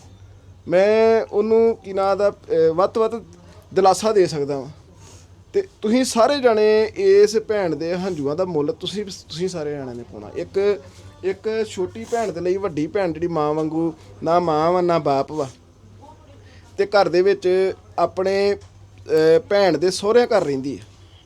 A: ਮੈਂ ਉਹਨੂੰ ਕੀ ਨਾਂ ਦਾ ਅਹ, ਵੱਧ ਤੋਂ ਵੱਧ ਦਿਲਾਸਾ ਦੇ ਸਕਦਾ ਵਾਂ ਤੇ ਤੁਸੀਂ ਸਾਰੇ ਜਣੇ ਇਸ ਭੈਣ ਦੇ ਹੰਝੂਆਂ ਦਾ ਮੁੱਲ ਤੁਸੀਂ ਤੁਸੀਂ ਸਾਰੇ ਜਣਿਆਂ ਨੇ ਪਾਉਣਾ ਇੱਕ ਇੱਕ ਛੋਟੀ ਭੈਣ ਦੇ ਲਈ ਵੱਡੀ ਭੈਣ ਜਿਹੜੀ ਮਾਂ ਵਾਂਗੂ ਨਾ ਮਾਂ ਵਾ ਨਾ ਬਾਪ ਵਾ ਤੇ ਘਰ ਦੇ ਵਿੱਚ ਆਪਣੇ ਅਹ, ਭੈਣ ਦੇ ਸਹੁਰਿਆਂ ਘਰ ਰਹਿੰਦੀ ਹੈ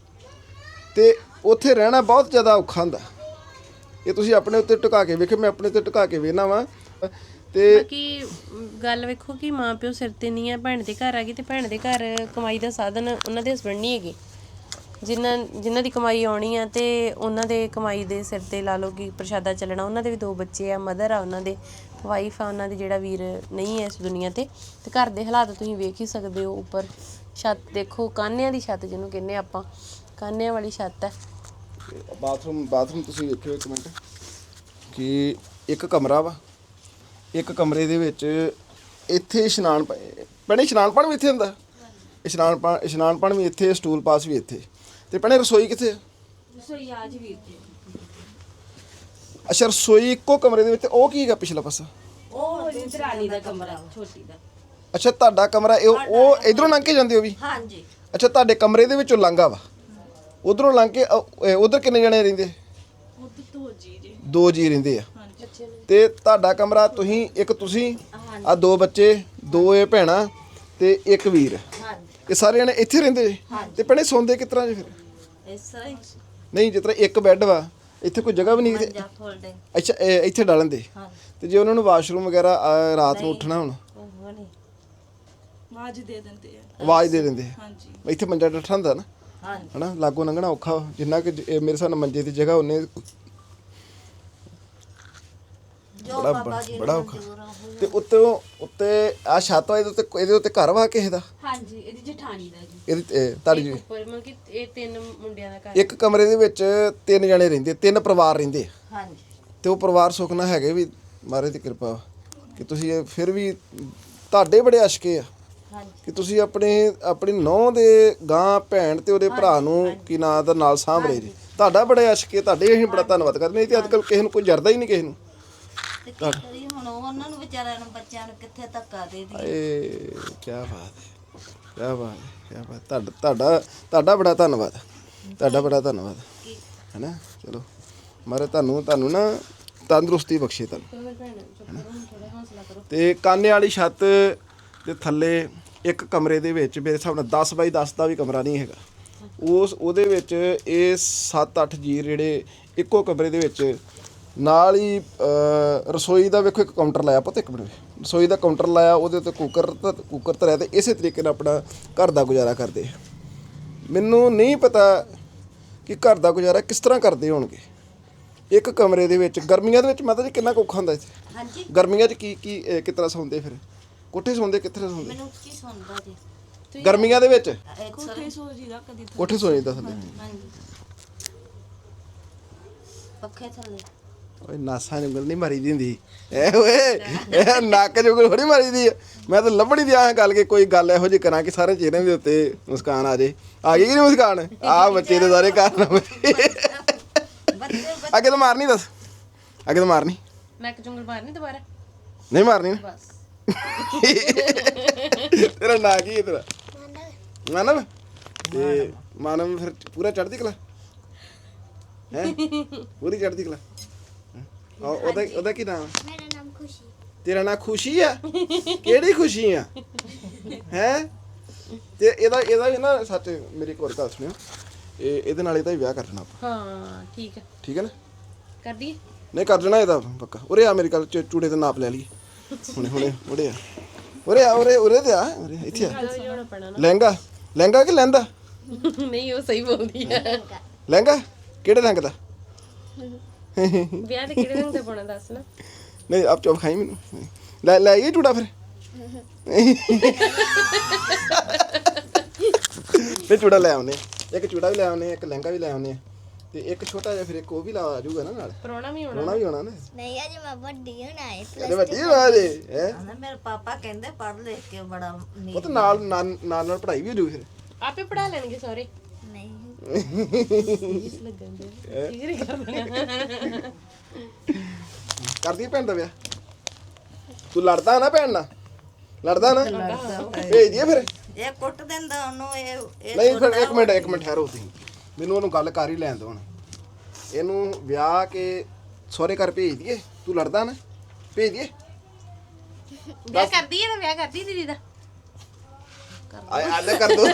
A: ਤੇ ਉੱਥੇ ਰਹਿਣਾ ਬਹੁਤ ਜ਼ਿਆਦਾ ਔਖਾ ਹੁੰਦਾ ਇਹ ਤੁਸੀਂ ਆਪਣੇ ਉੱਤੇ ਟਿਕਾ ਕੇ ਵੇਖੋ ਮੈਂ ਆਪਣੇ ਉੱਤੇ ਟਿਕਾ ਕੇ ਵੇਖਣਾ ਵਾ ਤੇ
B: ਬਾਕੀ ਗੱਲ ਵੇਖੋ ਕਿ ਮਾਂ ਪਿਓ ਸਿਰ ਤੇ ਨਹੀਂ ਆ ਭੈਣ ਦੇ ਘਰ ਆ ਗਈ ਤੇ ਭੈਣ ਦੇ ਘਰ ਕਮਾਈ ਦਾ ਸਾਧਨ ਉਹਨਾਂ ਦੇ ਹਸਬੰਡ ਨਹੀਂ ਹੈਗੇ ਜਿਨ੍ਹਾਂ ਜਿਨ੍ਹਾਂ ਦੀ ਕਮਾਈ ਆਉਣੀ ਆ ਤੇ ਉਹਨਾਂ ਦੇ ਕਮਾਈ ਦੇ ਸਿਰ ਤੇ ਲਾ ਲਓ ਕਿ ਪ੍ਰਸ਼ਾਦਾ ਚੱਲਣਾ ਉਹਨਾਂ ਦੇ ਵੀ ਦੋ ਬੱਚੇ ਆ ਮਦਰ ਆ ਉਹਨਾਂ ਦੇ ਵਾਈਫ ਆ ਉਹਨਾਂ ਦੀ ਜਿਹੜਾ ਵੀਰ ਨਹੀਂ ਹੈ ਇਸ ਦੁਨੀਆ ਤੇ ਤੇ ਘਰ ਦੇ ਹਾਲਾਤ ਤੁਸੀਂ ਵੇਖ ਹੀ ਸਕਦੇ ਹੋ ਉੱਪਰ ਛੱਤ ਦੇਖੋ ਕਾਨਿਆਂ ਦੀ ਛੱਤ ਜਿਹਨੂੰ ਕਹਿੰਦੇ ਆਪਾਂ ਕਾਨਿਆਂ ਵਾਲੀ ਛੱਤ ਹੈ
A: ਬਾਥਰੂਮ ਬਾਥਰੂਮ ਤੁਸੀਂ ਵੇਖਿਓ ਇੱਕ ਮਿੰਟ ਕਿ ਇੱਕ ਕਮਰਾ ਵਾ ਇੱਕ ਕਮਰੇ ਦੇ ਵਿੱਚ ਇੱਥੇ ਇਸ਼ਨਾਨ ਭੈਣੇ ਇਸ਼ਨਾਨ ਪਾਣੀ ਵੀ ਇੱਥੇ ਹੁੰਦਾ ਇਸ਼ਨਾਨ ਪਾ ਇਸ਼ਨਾਨ ਪਾਣੀ ਵੀ ਇੱਥੇ ਸਟੂਲ ਪਾਸ ਵੀ ਇੱਥੇ ਤੇ ਭੈਣੇ ਰਸੋਈ ਕਿੱਥੇ
E: ਰਸੋਈ ਆਜ ਵੀਰ ਜੀ
A: ਅੱਛਾ ਰਸੋਈ ਇੱਕੋ ਕਮਰੇ ਦੇ ਵਿੱਚ ਉਹ ਕੀ ਹੈਗਾ ਪਿਛਲਾ ਪਾਸਾ
E: ਉਹ ਦਰਾਨੀ ਦਾ ਕਮਰਾ ਛੋਟੀ ਦਾ
A: ਅੱਛਾ ਤੁਹਾਡਾ ਕਮਰਾ ਇਹ ਉਹ ਇਧਰੋਂ ਲੰਘ ਕੇ ਜਾਂਦੇ ਹੋ ਵੀ
D: ਹਾਂਜੀ
A: ਅੱਛਾ ਤੁਹਾਡੇ ਕਮਰੇ ਦੇ ਵਿੱਚੋਂ ਲੰਘਾ ਵਾ ਉਧਰੋਂ ਲੰਘ ਕੇ ਉਧਰ ਕਿੰਨੇ ਜਣੇ ਰਹਿੰਦੇ
C: ਉਧਰ ਤੋਂ ਜੀ ਜੀ
A: ਦੋ ਜੀ ਰਹਿੰਦੇ ਆ
C: ਹਾਂਜੀ
A: ਤੇ ਤੁਹਾਡਾ ਕਮਰਾ ਤੁਸੀਂ ਇੱਕ ਤੁਸੀਂ ਆ ਦੋ ਬੱਚੇ ਦੋ ਇਹ ਭੈਣਾਂ ਤੇ ਇੱਕ ਵੀਰ
D: ਹਾਂਜੀ
A: ਇਹ ਸਾਰੇ ਜਣੇ ਇੱਥੇ ਰਹਿੰਦੇ ਜੇ? ਤੇ ਭੈਣੇ ਸੌਂਦੇ ਕਿਸ ਤਰ੍ਹਾਂ ਜੇ ਫਿਰ
D: ਇਸ ਤਰ੍ਹਾਂ ਹੀ
A: ਨਹੀਂ ਜਿਸ ਤਰ੍ਹਾਂ ਇੱਕ ਬੈੱਡ ਵਾ ਇੱਥੇ ਕੋਈ ਜਗ੍ਹਾ ਵੀ ਨਹੀਂ ਕਿਤੇ
D: ਜਾਂ ਫੋਲਡਿੰਗ
A: ਅੱਛਾ ਇਹ ਇੱਥੇ ਡਾਲਣ ਦੇ
D: ਹਾਂਜੀ
A: ਤੇ ਜੇ ਉਹਨਾਂ ਨੂੰ ਵਾਸ਼ਰੂਮ ਵਗੈਰਾ ਅਹ, ਰਾਤ ਨੂੰ ਉੱਠਣਾ ਹੁਣ
D: ਉਹ ਨਹੀਂ
C: ਆਵਾਜ਼ ਦੇ ਦਿੰਦੇ ਆ
A: ਆਵਾਜ਼ ਦੇ ਦਿੰਦੇ
C: ਹਾਂਜੀ
A: ਇੱਥੇ ਮੰਜਾ ਡੱਠਾ ਹੁੰਦਾ ਨਾ
D: ਹਾਂਜੀ
A: ਹਨਾ ਲਾਗੋਂ ਲੰਘਣਾ ਔਖਾ ਵਾ। ਜਿੰਨਾ ਕਿ ਜ- ਇਹ ਮੇਰੇ ਹਿਸਾਬ ਨਾਲ ਮੰਜੇ ਦੀ ਜਗ੍ਹਾ ਉਹਨੇ
D: ਜੋ
A: ਬੜਾ
D: ਬਾਬਾ ਜੀ
A: ਬੜਾ
D: ਨੂੰ
A: ਔਖਾ
D: ਮਨਜ਼ੂਰ ਆ ਉਹ
A: ਤੇ ਉੱਤੇ ਉੱਤੇ ਆ ਛੱਤ ਵਾ ਇਹਦੇ ਉੱਤੇ ਇਹਦੇ ਉੱਤੇ ਘਰ ਵਾ ਕਿਸੇ ਦਾ
E: ਹਾਂਜੀ ਇਹਦੀ ਜਠਾਣੀ ਦਾ ਜੀ
A: ਇਹਦੀ ਇਹ ਤੁਹਾਡੀ ਜੀ
B: ਉੱਪਰ ਮਤਲਬ ਕਿ ਇਹ ਤਿੰਨ ਮੁੰਡਿਆਂ ਦਾ ਘਰ
A: ਇੱਕ ਕਮਰੇ ਦੇ ਵਿੱਚ ਤਿੰਨ ਜਣੇ ਰਹਿੰਦੇ ਤਿੰਨ ਪਰਿਵਾਰ ਰਹਿੰਦੇ ਆ।
D: ਹਾਂਜੀ
A: ਤੇ ਉਹ ਪਰਿਵਾਰ ਸੁੱਖ ਨਾਲ ਹੈਗੇ ਵੀ ਮਹਾਰਾਜ ਦੀ ਕਿਰਪਾ ਵਾ ਕਿ ਤੁਸੀਂ ਇਹ ਫਿਰ ਵੀ ਤੁਹਾਡੇ ਬੜੇ ਅਸ਼ਕੇ ਆ
D: ਹਾਂਜੀ
A: ਕਿ ਤੁਸੀਂ ਆਪਣੇ ਆਪਣੀ ਨੌਂ ਦੇ ਗਾਂ ਭੈਣ ਤੇ ਉਹਦੇ ਭਰਾ ਨੂੰ ਕੀ ਨਾਂ ਦਾ ਨਾਲ ਸਾਂਭ ਰਹੇ ਜੀ ਤੁਹਾਡਾ ਬੜੇ ਅਸ਼ਕੇ ਤੁਹਾਡੇ ਅਸੀਂ ਬੜਾ ਧੰਨਵਾਦ ਕਰਦੇ ਨਹੀਂ ਤੇ ਅੱਜ ਕੱਲ੍ਹ ਕਿਸੇ ਨੂੰ ਕੋਈ ਜਰਦਾ ਹੀ ਨਹੀਂ ਕਿਸੇ ਨੂੰ
D: ਤੇ ਕੀ ਕਰੀ ਹੁਣ ਉਹਨਾਂ ਨੂੰ ਵਿਚਾਰਿਆਂ ਨੂੰ ਬੱਚਿਆਂ ਨੂੰ ਕਿੱਥੇ ਧੱਕਾ ਦੇ ਦੀ
A: ਏ ਕੀ ਬਾਤ ਹੈ ਕੀ ਬਾਤ ਹੈ ਕੀ ਬਾਤ ਤੁਹਾਡਾ ਤੁਹਾਡਾ ਤੁਹਾਡਾ ਬੜਾ ਧੰਨਵਾਦ ਤੁਹਾਡਾ ਬੜਾ ਧੰਨਵਾਦ ਹੈਨਾ ਚਲੋ ਮਾਰੇ ਤੁਹਾਨੂੰ ਤੁਹਾਨੂੰ ਨਾ ਤੰਦਰੁਸਤੀ ਬਖਸ਼ੇ ਤੁਹਾਨੂੰ ਤੇ ਕਾਨੇ ਵਾਲੀ ਛੱਤ ਤੇ ਥੱਲੇ ਇੱਕ ਕਮਰੇ ਦੇ ਵਿੱਚ ਮੇਰੇ ਹਿਸਾਬ ਨਾਲ ਦਸ ਬਾਈ ਦਸ ਦਾ ਵੀ ਕਮਰਾ ਨਹੀਂ ਹੈਗਾ। ਉਸ ਉਹਦੇ ਵਿੱਚ ਇਹ ਸੱਤ ਅੱਠ ਜੀ ਜਿਹੜੇ ਇੱਕੋ ਕਮਰੇ ਦੇ ਵਿੱਚ ਨਾਲ ਹੀ ਅਹ, ਰਸੋਈ ਦਾ ਵੇਖੋ ਇੱਕ ਕਾਊਂਟਰ ਲਾਇਆ ਪੁੱਤ, ਇੱਕ ਮਿੰਟ ਰਸੋਈ ਦਾ ਕਾਊਂਟਰ ਲਾਇਆ, ਉਹਦੇ ਉੱਤੇ ਕੁੱਕਰ ਤਾਂ ਕੁੱਕਰ ਧਰਿਆ ਤੇ ਇਸੇ ਤਰੀਕੇ ਨਾਲ ਆਪਣਾ ਘਰ ਦਾ ਗੁਜ਼ਾਰਾ ਕਰਦੇ ਆ। ਮੈਨੂੰ ਨਹੀਂ ਪਤਾ ਕਿ ਘਰ ਦਾ ਗੁਜ਼ਾਰਾ ਕਿਸ ਤਰ੍ਹਾਂ ਕਰਦੇ ਹੋਣਗੇ ਇੱਕ ਕਮਰੇ ਦੇ ਵਿੱਚ। ਗਰਮੀਆਂ ਦੇ ਵਿੱਚ ਮਾਤਾ ਜੀ ਕਿੰਨਾ ਕੁ ਔਖਾ ਹੁੰਦਾ ਇੱਥੇ?
D: ਹਾਂਜੀ
A: ਗਰਮੀਆਂ 'ਚ ਕੀ ਕੀ ਅਹ, ਕਿਸ ਤਰ੍ਹਾਂ ਸੌਂਦੇ ਫਿਰ? ਕੋਠੇ ਸੌਂਦੇ ਕਿੱਥੇ ਸੌਂਦੇ
D: ਮੈਨੂੰ ਕੀ ਸੁਣਦਾ ਜੀ
A: ਗਰਮੀਆਂ ਦੇ ਵਿੱਚ?
C: ਕੋਠੇ ਸੋ ਜੀ ਦਾ ਕਦੀ
A: ਕੋਠੇ ਸੌਂ ਜਾਂਦਾ ਥੱਲੇ।
D: ਹਾਂਜੀ ਪੱਖੇ ਥੱਲੇ
A: ਓਏ ਨਾਸਾਂ ਜੁਗਲ ਨਹੀਂ ਮਾਰੀ ਦੀ ਹੁੰਦੀ ਐ ਓਏ, ਇਹ ਨੱਕ ਜੁਗਲ ਥੋੜੀ ਮਾਰੀ ਦੀ ਆ। ਮੈਂ ਤਾਂ ਲੱਭਣੀ ਦੀ ਆਹ ਗੱਲ ਕਿ ਕੋਈ ਗੱਲ ਇਹੋ ਜਿਹੀ ਕਰਾਂ ਕਿ ਸਾਰੇ ਚਿਹਰਿਆਂ ਦੇ ਉੱਤੇ ਮੁਸਕਾਨ ਆ ਜੇ। ਆ ਗਈ ਕਿ ਨਹੀਂ ਮੁਸਕਾਨ? ਆਹ ਬੱਚੇ ਦੇ ਸਾਰੇ ਕਾਰਨ
D: ਬੱਚੇ
A: ਅੱਗੇ ਤਾਂ ਮਾਰਨੀ, ਦੱਸ ਅੱਗੇ ਤਾਂ ਮਾਰਨੀ
B: ਮੈਂ ਇੱਕ ਜੁੰਗਲ ਮਾਰਨੀ ਦੁਬਾਰਾ
A: ਨਹੀਂ ਮਾਰਨੀ ਨਾ?
B: ਬਸ।
A: ਤੇਰਾ ਨਾਂ ਕੀ ਹੈ ਤੇਰਾ? ਮਾਨਵ। ਤੇ ਮਾਨਵ ਫਿਰ ਪੂਰਾ ਚੜ੍ਹਦੀ ਕਲਾ ਹੈ? ਪੂਰੀ ਚੜ੍ਹਦੀ ਕਲਾ। ਆ ਉਹਦਾ ਉਹਦਾ ਕੀ ਨਾਮ?
F: ਮੇਰਾ ਨਾਮ ਖੁਸ਼ੀ।
A: ਤੇਰਾ ਨਾਂ ਖੁਸ਼ੀ ਆ? ਕਿਹੜੀ ਖੁਸ਼ੀ ਆ ਹੈ? ਤੇ ਇਹਦਾ ਇਹਦਾ ਵੀ ਨਾ ਸੱਚ ਮੇਰੀ ਇੱਕ ਹੋਰ ਗੱਲ ਸੁਣਿਓ, ਇਹ ਇਹਦੇ ਨਾਲ ਇਹਦਾ ਹੀ ਵਿਆਹ ਕਰ ਦੇਣਾ ਆਪਾਂ।
B: ਹਾਂ ਠੀਕ ਹੈ,
A: ਠੀਕ ਹੈ ਨਾ?
B: ਕਰ ਦਈਏ।
A: ਨਹੀਂ ਕਰ ਦੇਣਾ ਇਹਦਾ ਪੱਕਾ। ਉਰੇ ਆ ਮੇਰੀ ਗੱਲ ਚ ਚੂੜੇ ਤੇ ਨਾਪ ਲੈ ਲਈਏ ਹੁਣੇ ਹੁਣੇ। ਉਰੇ ਆ ਉਰੇ ਆ ਉਰੇ ਉਰੇ ਤੇ ਆ ਉਰੇ ਇੱਥੇ ਆ।
B: ਲਿਆਉਣਾ ਪੈਣਾ
A: ਲਹਿੰਗਾ ਲਹਿੰਗਾ ਕਿ ਲਹਿੰਦਾ?
B: ਨਾ। ਨਹੀਂ ਉਹ ਸਹੀ ਬੋਲਦੀ ਹੈ।
A: ਲਹਿੰਗਾ ਕਿਹੜੇ ਰੰਗ ਦਾ?
B: ਵਿਆਹ ਤੇ ਕਿਹੜੇ ਰੰਗ ਦਾ ਪਾਉਣਾ ਦੱਸ ਨਾ।
A: ਨਹੀਂ ਆਪ ਚੁੱਪ ਖਾਈ ਮੈਨੂੰ। ਲੈ ਲੈ ਆਈਏ ਚੂੜਾ ਫਿਰ। ਤੇ ਚੂੜਾ ਲੈ ਆਉਨੇ, ਇੱਕ ਚੂੜਾ ਵੀ ਲੈ ਆਉਨੇ, ਇੱਕ ਲਹਿੰਗਾ ਵੀ ਲੈ ਆਉਨੇ ਤੇ ਇੱਕ ਛੋਟਾ ਜਿਹਾ ਫਿਰ ਇੱਕ ਉਹ ਵੀ ਲਾ ਆ ਜਾਊਗਾ ਨਾ ਨਾਲ।
B: ਪਰੋਣਾ ਵੀ ਹੋਣਾ।
A: ਰੋਣਾ ਵੀ ਹੋਣਾ ਨਾ।
F: ਨਹੀਂ ਅਜੇ ਮੈਂ ਵੱਡੀ ਹੋਣਾ ਹੈ।
A: ਇਹਦੇ ਵੱਡੀ ਆਵਾਜ਼ ਹੈ।
D: ਕਹਿੰਦਾ ਮੇਰੇ ਪਾਪਾ ਕਹਿੰਦੇ ਪੜ੍ਹ ਲਿਖ ਕੇ ਬੜਾ ਨੀ
A: ਉਹ ਤਾਂ ਨਾਲ ਨਾਲ ਨਾਲ ਨਾਲ ਪੜ੍ਹਾਈ ਵੀ ਹੋ ਜੂ ਫਿਰ।
B: ਆਪੇ ਪੜਾ ਲੈਣਗੇ ਸਾਰੇ।
F: ਨਹੀਂ
B: ਲੱਗਣ ਦੇ ਠੀਕ ਕਰ ਦੇਣਾ।
A: ਕਰਦੀ ਭੈਣ ਦਾ ਵਿਆਹ? ਤੂੰ ਲੜਦਾ ਨਾ ਭੈਣ ਨਾਲ? ਲੜਦਾ ਨਾ? ਭੇਜ ਦਈਏ ਫਿਰ।
D: ਇਹ ਕੁੱਟ ਦਿੰਦਾ ਉਹਨੂੰ। ਇਹ ਇਹ
A: ਨਹੀਂ ਫਿਰ ਇੱਕ ਮਿੰਟ ਇੱਕ ਮਿੰਟ ਠਹਿਰੋ ਤੁਸੀਂ, ਮੈਨੂੰ ਉਹਨੂੰ ਗੱਲ ਕਰ ਹੀ ਲੈਣ ਦਿਓ ਹੁਣ। ਇਹਨੂੰ ਵਿਆਹ ਕੇ ਸਹੁਰੇ ਘਰ ਭੇਜ ਦਈਏ? ਤੂੰ ਲੜਦਾ ਨਾ? ਭੇਜ ਦਈਏ?
B: ਵਿਆਹ ਕਰਦੀ ਹੈ ਤਾਂ ਵਿਆਹ ਕਰਦੀ ਦੀਦੀ ਦਾ।
A: ਆਏ ਆਲੇ ਕਰ ਦੋ।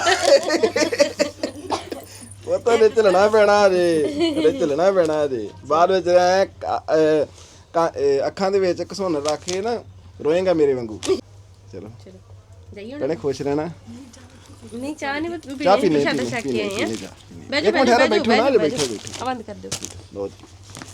A: ਉਹ ਤਾਂ ਨੇ ਚੱਲਣਾ ਪੈਣਾ ਜੇ, ਇਹ ਚੱਲਣਾ ਪੈਣਾ ਜੇ। ਬਾਅਦ ਵਿੱਚ ਐ ਅੱਖਾਂ ਦੇ ਵਿੱਚ ਘਸੁੰਨ ਰੱਖ ਕੇ ਨਾ ਰੋਏਗਾ ਮੇਰੇ ਵਾਂਗੂ। ਚਲੋ
B: ਚਲੋ ਜਾਈਏ ਹੁਣ।
A: ਭੈਣੇ ਖੁਸ਼ ਰਹਿਣਾ।
B: ਨਹੀਂ ਚਾਹ ਨਹੀਂ ਪੀਣੀ,
A: ਚਾਹ ਪੀਨੇ
B: ਪ੍ਰਸ਼ਾਦਾ
A: ਪੀਨੇ
B: ਛਕ ਕੇ
A: ਪੀਨੇ
B: ਆਏ ਆ।
A: ਪੀਨੇ ਜਾ।
B: ਬੈਠੋ
A: ਇੱਕ ਮਿੰਟ ਠਹਿਰੋ,
B: ਬੈਠੋ
A: ਬੈਠੋ ਨਾ ਹਲੇ
B: ਬੈਠੋ
A: ਬੈਠੋ ਬੈਠੋ।
B: ਆ ਬੰਦ ਕਰ ਦਿਓ।
A: ਲਓ ਜੀ।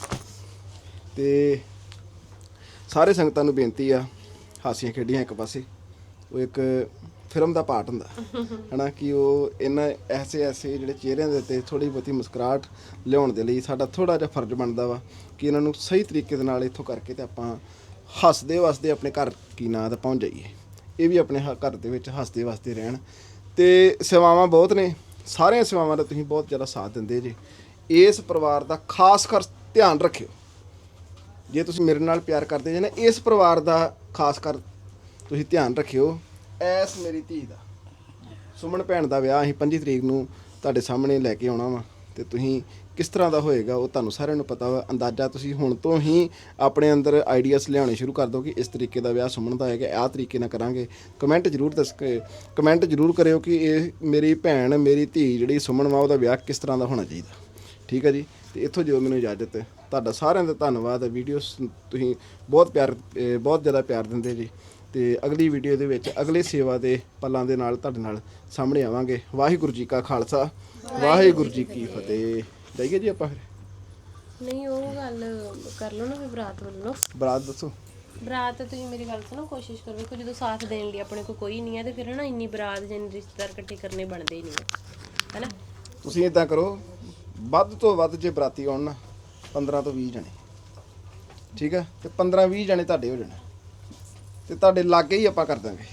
A: ਤੇ ਸਾਰੇ ਸੰਗਤਾਂ ਨੂੰ ਬੇਨਤੀ ਆ, ਹਾਸੀਆਂ ਖੇਡੀਆਂ ਇੱਕ ਪਾਸੇ, ਉਹ ਇੱਕ ਫਿਲਮ ਦਾ ਪਾਰਟ ਹੁੰਦਾ ਹਨਾ, ਕਿ ਉਹ ਇਹਨਾਂ ਐਸੇ ਐਸੇ ਜਿਹੜੇ ਚਿਹਰਿਆਂ ਦੇ ਉੱਤੇ ਥੋੜੀ ਬਹੁਤੀ ਮੁਸਕਰਾਹਟ ਲਿਆਉਣ ਦੇ ਲਈ ਸਾਡਾ ਥੋੜਾ ਜਿਹਾ ਫਰਜ਼ ਬਣਦਾ ਵਾ ਕਿ ਇਹਨਾਂ ਨੂੰ ਸਹੀ ਤਰੀਕੇ ਦੇ ਨਾਲ ਇੱਥੋਂ ਕਰਕੇ ਤੇ ਆਪਾਂ ਹੱਸਦੇ ਵਸਦੇ ਆਪਣੇ ਘਰ ਕੀ ਨਾਂ ਤੇ ਪਹੁੰਚ ਜਾਈਏ। ਇਹ ਵੀ ਆਪਣੇ ਹ- ਘਰ ਦੇ ਵਿੱਚ ਹੱਸਦੇ ਵਸਦੇ ਰਹਿਣ। ਤੇ ਸੇਵਾਵਾਂ ਬਹੁਤ ਨੇ, ਸਾਰੀਆਂ ਸੇਵਾਵਾਂ ਦਾ ਤੁਸੀਂ ਬਹੁਤ ਜ਼ਿਆਦਾ ਸਾਥ ਦਿੰਦੇ ਜੇ। ਇਸ ਪਰਿਵਾਰ ਦਾ ਖਾਸ ਕਰ ਧਿਆਨ ਰੱਖਿਓ। ਜੇ ਤੁਸੀਂ ਮੇਰੇ ਨਾਲ ਪਿਆਰ ਕਰਦੇ ਜੇ ਨਾ, ਇਸ ਪਰਿਵਾਰ ਦਾ ਖਾਸ ਕਰ ਤੁਸੀਂ ਧਿਆਨ ਰੱਖਿਓ। ਐਸ ਮੇਰੀ ਧੀ ਦਾ, ਸੁਮਨ ਭੈਣ ਦਾ ਵਿਆਹ ਅਸੀਂ ਪੰਜੀ ਤਰੀਕ ਨੂੰ ਤੁਹਾਡੇ ਸਾਹਮਣੇ ਲੈ ਕੇ ਆਉਣਾ ਵਾ, ਤੇ ਤੁਸੀਂ ਕਿਸ ਤਰ੍ਹਾਂ ਦਾ ਹੋਏਗਾ ਉਹ ਤੁਹਾਨੂੰ ਸਾਰਿਆਂ ਨੂੰ ਪਤਾ ਵਾ। ਅੰਦਾਜ਼ਾ ਤੁਸੀਂ ਹੁਣ ਤੋਂ ਹੀ ਆਪਣੇ ਅੰਦਰ ਆਈਡੀਆਸ ਲਿਆਉਣੇ ਸ਼ੁਰੂ ਕਰ ਦਿਓ ਕਿ ਇਸ ਤਰੀਕੇ ਦਾ ਵਿਆਹ ਸੁਮਨ ਦਾ ਹੋਏਗਾ, ਆਹ ਤਰੀਕੇ ਨਾਲ ਕਰਾਂਗੇ। ਕਮੈਂਟ ਜ਼ਰੂਰ ਦੱਸ ਕੇ ਕਮੈਂਟ ਜ਼ਰੂਰ ਕਰਿਓ ਕਿ ਇਹ ਮੇਰੀ ਭੈਣ ਮੇਰੀ ਧੀ ਜਿਹੜੀ ਸੁਮਨ ਵਾ ਉਹਦਾ ਵਿਆਹ ਕਿਸ ਤਰ੍ਹਾਂ ਦਾ ਹੋਣਾ ਚਾਹੀਦਾ। ਠੀਕ ਹੈ ਜੀ। ਤੇ ਇੱਥੋਂ ਜੋ ਮੈਨੂੰ ਇਜਾਜ਼ਤ ਹੈ, ਤੁਹਾਡਾ ਸਾਰਿਆਂ ਦਾ ਧੰਨਵਾਦ। ਵੀਡੀਓਸ ਤੁਸੀਂ ਬਹੁਤ ਪਿਆਰ ਅਹ ਬਹੁਤ ਜ਼ਿਆਦਾ ਪਿਆਰ ਦਿੰਦੇ ਜੀ। ਤੇ ਅਗਲੀ ਵੀਡੀਓ ਦੇ ਵਿੱਚ ਅਗਲੇ ਸੇਵਾ ਦੇ ਪਲਾਂ ਦੇ ਨਾਲ ਤੁਹਾਡੇ ਨਾਲ ਸਾਹਮਣੇ ਆਵਾਂਗੇ। ਵਾਹਿਗੁਰੂ ਜੀ ਕਾ ਖਾਲਸਾ, ਵਾਹਿਗੁਰੂ ਜੀ ਕੀ ਫਤਿਹ। ਜਾਈਏ ਜੀ ਆਪਾਂ ਫਿਰ।
B: ਨਹੀਂ ਉਹ ਗੱਲ ਕਰ ਲਓ ਨਾ ਫਿਰ ਬਰਾਤ ਵੱਲੋਂ।
A: ਬਰਾਤ ਦੱਸੋ।
B: ਬਰਾਤ ਤੁਸੀਂ ਮੇਰੀ ਗੱਲ ਸੁਣੋ, ਕੋਸ਼ਿਸ਼ ਕਰੋ ਕਿ ਜਦੋਂ ਸਾਥ ਦੇਣ ਲਈ ਆਪਣੇ ਕੋਲ ਕੋਈ ਨਹੀਂ ਹੈ ਤੇ ਫਿਰ ਨਾ ਇੰਨੀ ਬਰਾਤ ਜਿੰਨੇ ਰਿਸ਼ਤੇਦਾਰ ਇਕੱਠੇ ਕਰਨੇ ਬਣਦੇ ਹੀ ਨਹੀਂ ਹੈ ਹੈਨਾ।
A: ਤੁਸੀਂ ਇਦਾਂ ਕਰੋ, ਵੱਧ ਤੋਂ ਵੱਧ ਜੇ ਬਰਾਤੀ ਆਉਣ ਨਾ ਪੰਦਰਾਂ ਤੋਂ ਵੀਹ ਜਣੇ, ਠੀਕ ਹੈ, ਤੇ ਪੰਦਰਾਂ ਵੀਹ ਜਣੇ ਤੁਹਾਡੇ ਹੋ ਜਾਣੇ ਤੇ ਤੁਹਾਡੇ ਲਾਗੇ ਹੀ ਆਪਾਂ ਕਰ ਦਾਂਗੇ।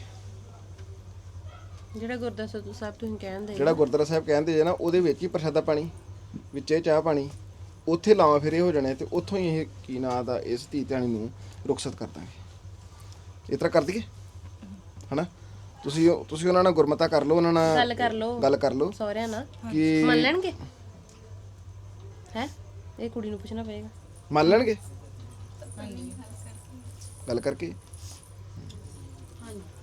B: ਜਿਹੜਾ ਗੁਰਦੁਆਰਾ ਸਾਹਿਬ ਤੁਸੀਂ ਕਹਿੰਦੇ
A: ਜਿਹੜਾ ਗੁਰਦੁਆਰਾ ਸਾਹਿਬ ਕਹਿੰਦੇ ਜੇ ਨਾ, ਉਹਦੇ ਵਿੱਚ ਹੀ ਪ੍ਰਸ਼ਾਦਾ ਪਾਣੀ, ਵਿੱਚੇ ਚਾਹ ਪਾਣੀ, ਉੱਥੇ ਲਾਵਾਂ ਫੇਰੇ ਹੋ ਜਾਣੇ ਤੇ ਉੱਥੋਂ ਹੀ ਇਹ ਕੀ ਨਾਂ ਦਾ ਇਸ ਧੀ ਧਿਆਣੀ ਨੂੰ ਰੁਖਸਤ ਕਰ ਦਾਂਗੇ। ਇਸ ਤਰ੍ਹਾਂ ਕਰ ਦਈਏ ਹਨਾ। ਤੁਸੀਂ ਤੁਸੀਂ ਉਹਨਾਂ ਨਾਲ ਗੁਰਮਤਾ ਕਰ ਲਓ, ਉਹਨਾਂ ਨਾਲ
B: ਗੱਲ ਕਰ ਲਓ,
A: ਗੱਲ ਕਰ ਲਓ
B: ਸਹੁਰਿਆਂ ਨਾਲ
A: ਕਿ
B: ਮੰਨ ਲੈਣਗੇ। ਹੈ ਇਹ ਕੁੜੀ ਨੂੰ ਪੁੱਛਣਾ ਪਏਗਾ।
A: ਮੰਨ ਲੈਣਗੇ ਗੱਲ ਕਰਕੇ।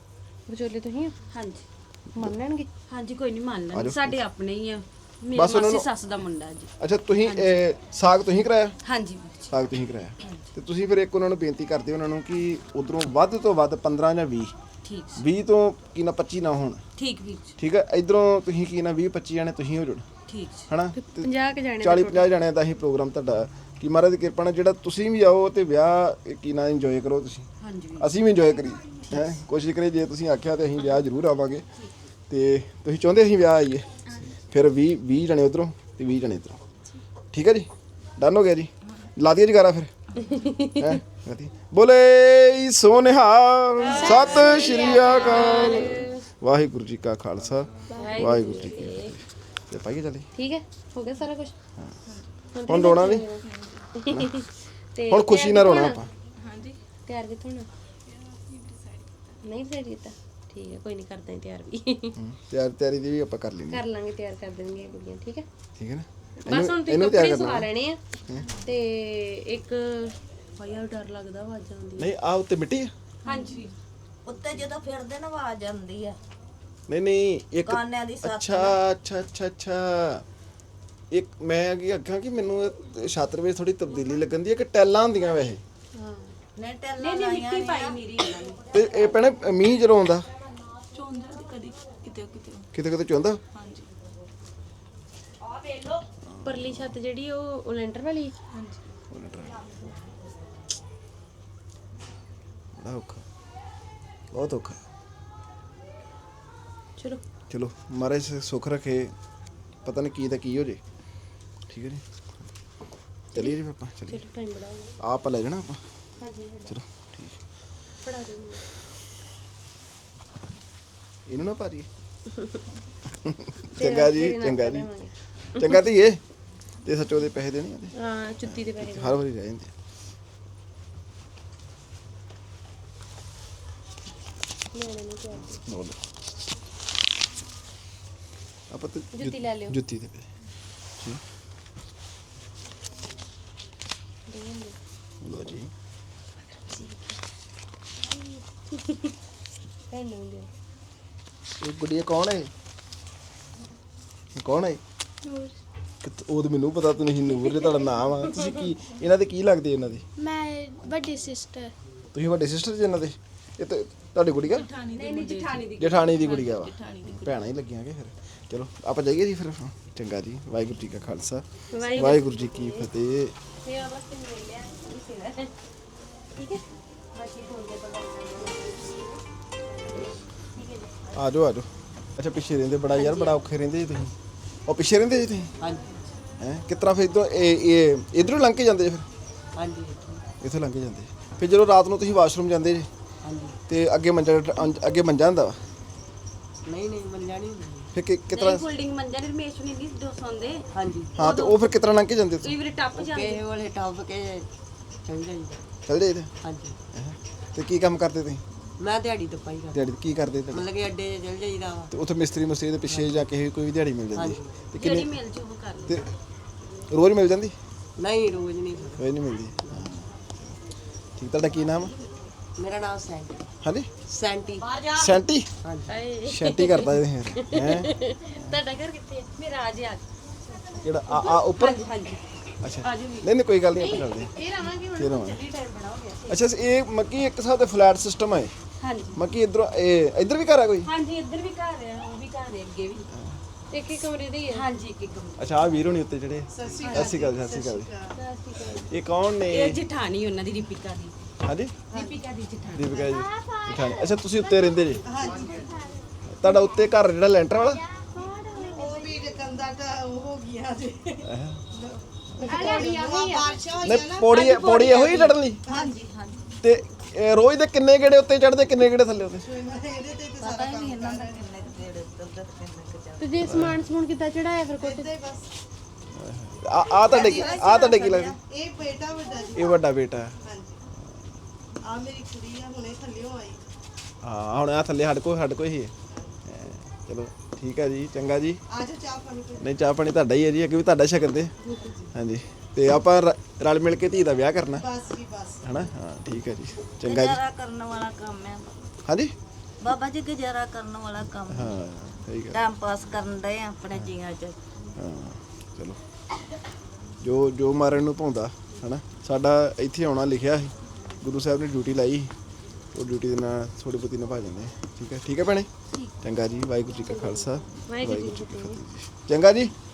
B: ਵਿਚੋਲੇ ਤੁਸੀਂ
E: ਹਾਂਜੀ
B: ਮੰਨ ਲੈਣਗੇ?
E: ਹਾਂਜੀ ਕੋਈ ਨਹੀਂ ਮੰਨ ਲੈਣ ਸਾਡੇ ਆਪਣੇ ਹੀ ਆ ਮੇਰੀ
A: ਬਸ ਉਹਨਾਂ
E: ਮਾਸੀ
A: ਨੂੰ-
E: ਸੱਸ ਦਾ ਮੁੰਡਾ ਜੀ।
A: ਅੱਛਾ ਤੁਸੀਂ ਇਹ, ਸਾਗ ਤੁਸੀਂ ਕਰਾਇਆ?
E: ਹਾਂਜੀ ਵੀਰ ਜੀ
A: ਸਾਗ ਤੁਸੀਂ ਕਰਾਇਆ ਤੇ ਤੁਸੀਂ ਫਿਰ ਇੱਕ ਉਹਨਾਂ ਨੂੰ ਬੇਨਤੀ ਕਰਦੇ ਉਹਨਾਂ ਨੂੰ ਕਿ ਉਧਰੋਂ ਵੱਧ ਤੋਂ ਵੱਧ ਪੰਦਰਾਂ ਜਾਂ ਵੀਹ
E: ਠੀਕ ਸੀ,
A: ਵੀਹ ਤੋਂ ਕੀ ਨਾ ਪੱਚੀ ਨਾ ਹੋਣ,
E: ਠੀਕ ਵੀਰ ਜੀ
A: ਠੀਕ ਹੈ। ਇਧਰੋਂ ਤੁਸੀਂ ਕੀ ਨਾ ਵੀਹ ਪੱਚੀ ਜਾਣੇ ਤੁਸੀਂ ਹੋ ਜਾਣ,
E: ਠੀਕ ਜੀ
A: ਹਨਾ।
B: ਪੰਜਾਹ ਕ ਜਾਣੇ
A: ਚਾਲੀ ਪੰਜਾਹ ਜਾਣਿਆਂ ਦਾ ਹੀ ਪ੍ਰੋਗਰਾਮ ਤੁਹਾਡਾ ਕਿ ਮਹਾਰਾਜ ਦੀ ਕਿਰਪਾ ਨਾਲ ਜਿਹੜਾ ਤੁਸੀਂ ਵੀ ਆਓ ਤੇ ਵਿਆਹ ਕੀ ਨਾ ਇੰਜੋਏ ਕਰੋ ਤੁਸੀਂ,
E: ਹਾਂਜੀ ਵੀਰ
A: ਅਸੀਂ ਵੀ ਇੰਜੋਏ ਕਰੀ ਹੈ ਕੋਸ਼ਿਸ਼ ਕਰੀਏ। ਜੇ ਤੁਸੀਂ ਆਖਿਆ ਤੇ ਅਸੀਂ ਵਿਆਹ ਜ਼ਰੂਰ ਆਵਾਂਗੇ ਤੇ ਤੁਸੀਂ ਚਾਹੁੰਦੇ ਅਸੀਂ ਵਿਆਹ ਆਈਏ, ਫਿਰ ਵੀਹ ਵੀਹ ਜਣੇ ਉਧਰੋਂ ਤੇ ਵੀਹ ਜਣੇ ਇੱਧਰੋਂ, ਠੀਕ ਹੈ ਜੀ। ਡਨ ਹੋ ਗਿਆ ਜੀ, ਲਾ ਦਈਏ ਜਗਾਰਾ ਫਿਰ ਹੈ। ਬੋਲੇ ਸੋਨਿਹਾ ਸਤਿ ਸ਼੍ਰੀ ਅਕਾਲ। ਵਾਹਿਗੁਰੂ ਜੀ ਕਾ ਖਾਲਸਾ ਵਾਹਿਗੁਰੂ ਜੀ ਕੀ ਫਤਿਹ। ਤੇ ਪਾਈਏ ਚੱਲੇ,
B: ਠੀਕ ਹੈ, ਹੋ ਗਿਆ ਸਾਰਾ ਕੁਝ।
A: ਹੁਣ ਰੋਣਾ ਨਹੀਂ,
B: ਤੇ
A: ਹੁਣ ਖੁਸ਼ੀ ਨਾਲ ਰੋਣਾ ਆਪਾਂ।
C: ਹਾਂਜੀ
B: ਤਿਆਰ ਕਿੱਥੋਂ ਹੋਣਾ? ਨਹੀਂ ਫਿਰ ਕੀਤਾ, ਠੀਕ ਹੈ, ਕੋਈ ਨਹੀਂ ਕਰਦਾ ਹਾਂ ਤਿਆਰ ਵੀ।
A: ਹਮ, ਤਿਆਰ ਤਿਆਰੀ ਦੀ ਵੀ ਆਪਾਂ ਕਰ ਲੈਂਦੇ
B: ਕਰ ਲਾਂਗੇ, ਤਿਆਰ ਕਰ ਦੇਣਗੀਆਂ ਕੁੜੀਆਂ, ਠੀਕ ਹੈ।
A: ਠੀਕ ਹੈ ਨਾ।
B: ਬਸ ਹੁਣ ਤੁਸੀਂ
A: ਇਹਨੂੰ ਤਿਆਰ
B: ਕੱਪੜੇ
A: ਕਰਨਾ
B: ਸਵਾ ਲੈਣੇ ਆ ਤੇ ਇੱਕ ਭਾਈਆ ਡਰ ਲੱਗਦਾ ਆਵਾਜ਼ਾਂ ਆਉਂਦੀਆਂ।
A: ਨਹੀਂ, ਆ ਉੱਤੇ ਮਿੱਟੀ ਆ?
E: ਹਾਂਜੀ
D: ਉੱਤੇ ਜਦੋਂ ਫਿਰਦੇ ਨਾ ਆਵਾਜ਼ ਆਉਂਦੀ ਆ
A: ਨਹੀਂ ਨਹੀਂ, ਇੱਕ
D: ਕਾਨਿਆਂ ਦੀ ਸੱਤ
A: ਅੱਛਾ ਅੱਛਾ ਅੱਛਾ ਅੱਛਾ ਇੱਕ ਮੈਂ ਅੱਗੇ ਆਖਾਂ ਕਿ ਮੈਨੂੰ ਇਹ ਛਾਤਰ ਵਿੱਚ ਥੋੜੀ ਤਬਦੀਲੀ ਲੱਗਣ ਦੀ ਹੈ ਕਿ ਟੈਲਾਂ ਹੁੰਦੀਆਂ ਵੈਸੇ
B: ਹਾਂ,
D: ਨੇ ਟੈਲਾਂ ਲਾਈਆਂ
E: ਮਿੱਟੀ ਪਾਈ ਮੇਰੀ ਇਹਨਾਂ ਨੇ
A: ਤੇ ਇਹ ਭੈਣੇ ਮੀਂਹ ਜਦੋਂ ਆਉਂਦਾ
C: ਚੋਂਦਾ ਤੇ ਕਦੀ ਕਿਤੇ ਕਿਤੇ
A: ਕਿਤੇ ਕਿਤੇ ਚੁੰਦਾ।
C: ਹਾਂਜੀ
B: ਪਰਲੀ ਛੱਤ ਜਿਹੜੀ ਉਹ ਉਹ ਲੈਂਟਰ ਵਾਲੀ।
C: ਹਾਂਜੀ
A: ਬੜਾ ਔਖਾ, ਬਹੁਤ ਔਖਾ।
B: ਚਲੋ
A: ਚਲੋ ਮਹਾਰਾਜ ਸੁੱਖ ਰੱਖੇ, ਪਤਾ ਨਹੀਂ ਕੀ ਤਾਂ ਕੀ ਹੋ ਜੇ, ਠੀਕ ਹੈ ਜੀ। ਚਲੀਏ ਜੀ ਆਪਾਂ, ਚਲੀਏ।
B: ਚਲੋ ਟਾਈਮ ਬੜਾ ਹੋ ਗਿਆ।
A: ਆਪ ਲੈ ਜਾਣਾ ਆਪਾਂ,
B: ਹਾਂਜੀ
A: ਚਲੋ ਠੀਕ।
B: ਪੜਾ ਦਿਓ ਮੈਨੂੰ।
A: ਇਹਨੂੰ ਨਾ ਭਾਰੀ ਚੰਗਾ ਜੀ,
B: ਤੇਰੇ ਨਾਲ
A: ਚੰਗਾ ਜੀ,
B: ਕਰਾਂਗੇ।
A: ਚੰਗਾ ਧੀਏ। ਤੇ ਸੱਚੋ ਦੇ ਪੈਸੇ ਦੇਣੇ ਆ
B: ਹਾਂ, ਜੁੱਤੀ ਦੇ ਪੈਸੇ
A: ਹਰ ਵਾਰੀ ਰਹਿ ਜਾਂਦੇ।
B: ਲੈਣੇ ਨਹੀਂ ਚਾਹੀਦੇ।
A: ਲਓ ਲਓ। ਆਪਾਂ ਤੇ
B: ਜੁੱਤੀ ਲੈ ਲਿਓ।
A: ਜੁੱਤੀ ਦੇ ਪੈਸੇ ਠੀਕ। ਲਓ ਜੀ।
B: ਭੈਣ ਨੂੰ ਦਿਓ।
A: ਇਹ ਗੁੱਡੀਆ ਕੌਣ ਹੈ? ਇਹ ਕੌਣ ਹੈ? ਕਿਤ- ਉਹ ਤਾਂ ਮੈਨੂੰ ਪਤਾ, ਤੁਸੀਂ ਨੂਰ ਜੇ ਤੁਹਾਡਾ ਨਾਮ ਆ। ਤੁਸੀਂ ਕੀ ਇਹਨਾਂ ਦੇ ਕੀ ਲੱਗਦੇ ਇਹਨਾਂ ਦੇ?
F: ਮੈਂ ਵੱਡੀ ਸਿਸਟਰ।
A: ਤੁਸੀਂ ਵੱਡੇ ਸਿਸਟਰ ਜੀ ਇਹਨਾਂ ਦੇ? ਇਹ ਤਾਂ ਤੁਹਾਡੀ ਗੁੜੀਆ
C: ਠਾਣੀ
E: ਨਹੀਂ ਨਹੀਂ ਜਠਾਣੀ ਦੀ
A: ਜਠਾਣੀ ਦੀ ਗੁੜੀਆ ਵਾ। ਭੈਣਾਂ ਹੀ ਲੱਗੀਆਂਗੇ ਫਿਰ। ਚਲੋ ਆਪਾਂ ਜਾਈਏ ਜੀ ਫਿਰ। ਚੰਗਾ ਜੀ, ਵਾਹਿਗੁਰੂ ਜੀ ਕਾ ਖਾਲਸਾ ਵਾਹਿਗੁਰੂ ਜੀ ਕੀ ਫਤਿਹ।
B: ਸੇਵਾ ਵਾਸਤੇ ਮਿਲ ਲਿਆ ਇਸੇ ਦਾ, ਠੀਕ ਹੈ। ਬਾਕੀ ਫੋਨ ਦੇ ਪਤਾ
A: ਆ ਜਾਓ ਆ ਜਾਓ। ਅੱਛਾ, ਪਿੱਛੇ ਰਹਿੰਦੇ ਬੜਾ ਯਾਰ, ਬੜਾ ਔਖੇ ਰਹਿੰਦੇ ਜੀ ਤੁਸੀਂ। ਉਹ ਪਿੱਛੇ ਰਹਿੰਦੇ ਜੀ ਤੁਸੀਂ?
E: ਹਾਂਜੀ
A: ਹੈ ਕਿਸ ਤਰ੍ਹਾਂ ਫਿਰ ਇੱਧਰੋਂ ਇਹ ਇਹ ਇਧਰੋਂ ਲੰਘ ਕੇ ਜਾਂਦੇ ਜੀ ਫਿਰ?
E: ਹਾਂਜੀ
A: ਇੱਥੋਂ ਲੰਘ ਕੇ ਜਾਂਦੇ ਫਿਰ ਜਦੋਂ ਰਾਤ ਨੂੰ ਤੁਸੀਂ ਵਾਸ਼ਰੂਮ ਜਾਂਦੇ ਜੀ
E: ਹਾਂਜੀ
A: ਤੇ ਅੱਗੇ ਮੰਜਾ ਅੱਗੇ ਮੰਜਾ ਹੁੰਦਾ ਵਾ,
E: ਨਹੀਂ ਨਹੀਂ ਮੰਨਿਆ ਨਹੀਂ
A: ਫਿਰ ਕਿ ਕਿਸ
E: ਨਹੀਂ
A: ਤਰ੍ਹਾਂ?
E: ਫੋਲਡਿੰਗ ਮੰਜਾ ਨਹੀਂ ਰਮੇਸ਼ ਨਹੀਂ ਨਹੀਂ ਦੋ ਸੌਂਦੇ ਹਾਂਜੀ
A: ਹਾਂ, ਤੇ ਉਹ ਫਿਰ ਕਿਸ ਤਰ੍ਹਾਂ ਲੰਘ ਕੇ ਜਾਂਦੇ ਤੁਸੀਂ?
E: ਕਈ ਵਾਰੀ ਟੱਪ ਜਾਂਦੇ ਕਿਸੇ ਵਾਲੇ ਟੱਪ ਕੇ ਚੱਲ ਜਾਈਦਾ
A: ਚੱਲ ਜਾਈਦੇ?
E: ਹਾਂਜੀ
A: ਤੇ ਕੀ ਕੰਮ ਕਰਦੇ ਤੁਸੀਂ
E: ਮੈਂ ਦਿਹਾੜੀ ਤੋਂ ਪਾਈ ਕਰ
A: ਦਿਹਾੜੀ ਕੀ ਕਰਦੇ ਤੁਹਾਡੇ?
E: ਮਤਲਬ ਕਿ ਅੱਡੇ 'ਚ ਚੱਲ ਜਾਈਦਾ ਵਾ
A: ਤੇ ਉੱਥੇ ਮਿਸਤਰੀ ਮੁਸਤਰੀ ਦੇ ਪਿੱਛੇ ਜਾਂ ਕਿਸੇ ਕੋਈ ਵੀ ਦਿਹਾੜੀ ਮਿਲ ਜਾਂਦੀ ਹੈ? ਤੇ
E: ਜਿਹੜੀ
A: ਕਿੰਨੀ
E: ਮਿਲ ਜੂ ਉਹ ਕਰ ਲਓ
A: ਤੇ ਰੋਜ਼ ਮਿਲ ਜਾਂਦੀ?
E: ਨਹੀਂ ਰੋਜ਼ ਨਹੀਂ
A: ਰੋਜ਼ ਨਹੀਂ ਮਿਲਦੀ। ਠੀਕ, ਤੁਹਾਡਾ ਕੀ ਨਾਮ ਆ?
E: ਮੇਰਾ ਨਾਮ ਸੈਂਟੀ
A: ਹਾਂਜੀ
E: ਸੈਂਟੀ
A: ਸੈਂਟੀ
E: ਹਾਂਜੀ
A: ਸ਼ੈਂਟੀ ਕਰਦਾ ਇਹ ਹੈ
B: ਤੁਹਾਡਾ ਘਰ ਕਿੱਥੇ ਹੈ? ਮੇਰਾ ਅੱਜ ਆ
A: ਕਿਹੜਾ ਆ ਆ ਉੱਪਰ?
E: ਹਾਂਜੀ
A: ਅੱਛਾ, ਨਹੀਂ ਨਹੀਂ ਕੋਈ ਗੱਲ ਨਹੀਂ, ਆਪਾਂ ਕਰਦੇ ਹਾਂ।
B: ਇਹ ਰਾਵਾਂਗੇ ਹੁਣ।
A: ਫਿਰ ਆਵਾਂਗੇ।
B: ਜਲਦੀ ਟਾਈਮ ਬੜਾ ਹੋ ਗਿਆ।
A: ਅੱਛਾ, ਇਹ ਮੱਕੀ ਇੱਕ ਹਿਸਾਬ ਦੇ ਫਲੈਟ ਸਿਸਟਮ ਹੈ
E: ਹਾਂਜੀ
A: ਮੱਕੀ ਇਧਰੋਂ ਇਹ ਇੱਧਰ ਵੀ ਘਰ ਆ ਕੋਈ?
E: ਹਾਂਜੀ ਇੱਧਰ ਵੀ ਘਰ ਆ ਉਹ ਵੀ ਘਰ ਹੈ ਅੱਗੇ ਵੀ
B: ਇੱਕ ਇੱਕ ਕਮਰੇ ਦੇ ਹੀ ਹੈ।
E: ਹਾਂਜੀ ਇੱਕ ਇੱਕ ਕਮਰਾ।
A: ਅੱਛਾ, ਆ ਵੀਰ ਹੋਣੀ ਉੱਤੇ ਜਿਹੜੇ। ਸਤਿ ਸ਼੍ਰੀ ਅਕਾਲ, ਸਤਿ ਸ਼੍ਰੀ ਅਕਾਲ ਜੀ। ਇਹ ਕੌਣ ਨੇ?
E: ਇਹ ਜਠਾਣੀ ਉਹਨਾਂ ਦੀ ਦੀਪਿਕਾ ਦੀ
A: ਹਾਂਜੀ,
E: ਦੀਪਿਕਾ ਦੀ ਜਠਾਣੀ
A: ਦੀਪਿਕਾ ਜੀ ਜਠਾਣੀ। ਅੱਛਾ, ਤੁਸੀਂ ਉੱਤੇ ਰਹਿੰਦੇ ਜੀ? ਤੁਹਾਡਾ ਉੱਤੇ ਘਰ ਜਿਹੜਾ ਲੈਂਟਰ ਵਾਲਾ?
G: ਉਹ ਵੀ ਕੰਦਾ ਤਾਂ ਉਹ ਹੋ ਗਿਆ ਜੀ
A: ਨਹੀਂ, ਪੌੜੀ ਪੌੜੀ ਇਹੋ ਹੀ ਚੜ੍ਹਨ ਲਈ?
G: ਹਾਂਜੀ ਹਾਂਜੀ
A: ਤੇ ਇਹ ਰੋਜ਼ ਦੇ ਕਿੰਨੇ ਗੇੜੇ ਉੱਤੇ ਚੜ੍ਹਦੇ, ਕਿੰਨੇ ਗੇੜੇ ਥੱਲੇ ਉੱਤੇ?
G: ਇਹਦੇ ਤੇ ਤੇ
D: ਪਤਾ ਹੀ ਨਹੀਂ ਇਹਨਾਂ ਦਾ ਕਿੰਨੇ ਕੁ ਜਿਹੜੇ ਉੱਧਰ ਤੇ ਕਿੰਨੇ ਕੁ ਚੱਲ
B: ਤੇ ਜੇ ਸਮਾਨ ਸਮੂਨ ਕਿੱਦਾਂ ਚੜਾਇਆ ਫਿਰ ਕੋਠੇ ਤੇ?
G: ਬਸ
A: ਆ ਆ ਤੁਹਾਡੇ ਕੀ ਆ ਤੁਹਾਡੇ ਕੀ ਲੱਗਦਾ?
G: ਇਹ ਬੇਟਾ ਵੱਡਾ ਜੀ
A: ਇਹ ਵੱਡਾ ਬੇਟਾ ਹੈ।
G: ਹਾਂਜੀ ਆ ਮੇਰੀ ਕੁੜੀ ਆ ਹੁਣੇ ਥੱਲਿਓਂ ਆਈ
A: ਹਾਂ, ਹੁਣ ਆ ਥੱਲੇ ਸਾਡੇ ਕੋਲ ਸਾਡੇ ਕੋਲ ਹੀ ਹੈ। ਚਲੋ ਠੀਕ ਹੈ ਜੀ, ਚੰਗਾ ਜੀ।
G: ਆ ਜਾ ਚਾਹ ਪਾਣੀ ਪੀ
A: ਨਹੀਂ, ਚਾਹ ਪਾਣੀ ਤੁਹਾਡਾ ਹੀ ਹੈ ਜੀ, ਅੱਗੇ ਵੀ ਤੁਹਾਡਾ ਸ਼ਕਨ ਦੇ। ਹਾਂਜੀ, ਤੇ ਆਪਾਂ ਰ- ਰਲ ਮਿਲ ਕੇ ਧੀ ਦਾ ਵਿਆਹ ਕਰਨਾ
G: ਬਸ ਜੀ ਬਸ
A: ਹਨਾ? ਹਾਂ ਠੀਕ ਹੈ ਜੀ, ਚੰਗਾ ਜੀ।
D: ਗੁਜ਼ਾਰਾ ਕਰਨ ਵਾਲਾ ਕੰਮ ਹੈ
A: ਹਾਂਜੀ,
D: ਬਾਬਾ ਜੀ ਗੁਜ਼ਾਰਾ ਕਰਨ ਵਾਲਾ ਕੰਮ
A: ਹਾਂ ਸਹੀ ਗੱਲ
D: ਟਾਈਮ ਪਾਸ ਕਰਨ ਦੇ ਆਪਣੇ ਜੀਆਂ 'ਚ।
A: ਹਾਂ ਚਲੋ ਜੋ ਜੋ ਮਾਰਨ ਨੂੰ ਪਾਉਂਦਾ ਹਨਾ। ਸਾਡਾ ਇੱਥੇ ਆਉਣਾ ਲਿਖਿਆ ਸੀ, ਗੁਰੂ ਸਾਹਿਬ ਨੇ ਡਿਊਟੀ ਲਾਈ ਸੀ, ਉਹ ਡਿਊਟੀ ਦੇ ਨਾਲ ਥੋੜੀ ਬਹੁਤੀ ਨਿਭਾ ਜਾਂਦੇ ਆ। ਠੀਕ ਹੈ ਠੀਕ ਹੈ ਭੈਣੇ, ਚੰਗਾ ਜੀ। ਵਾਹਿਗੁਰੂ ਜੀ ਕਾ ਖਾਲਸਾ ਵਾਹਿਗੁਰੂ ਜੀ ਕੀ ਫਤਿਹ ਜੀ। ਚੰਗਾ ਜੀ।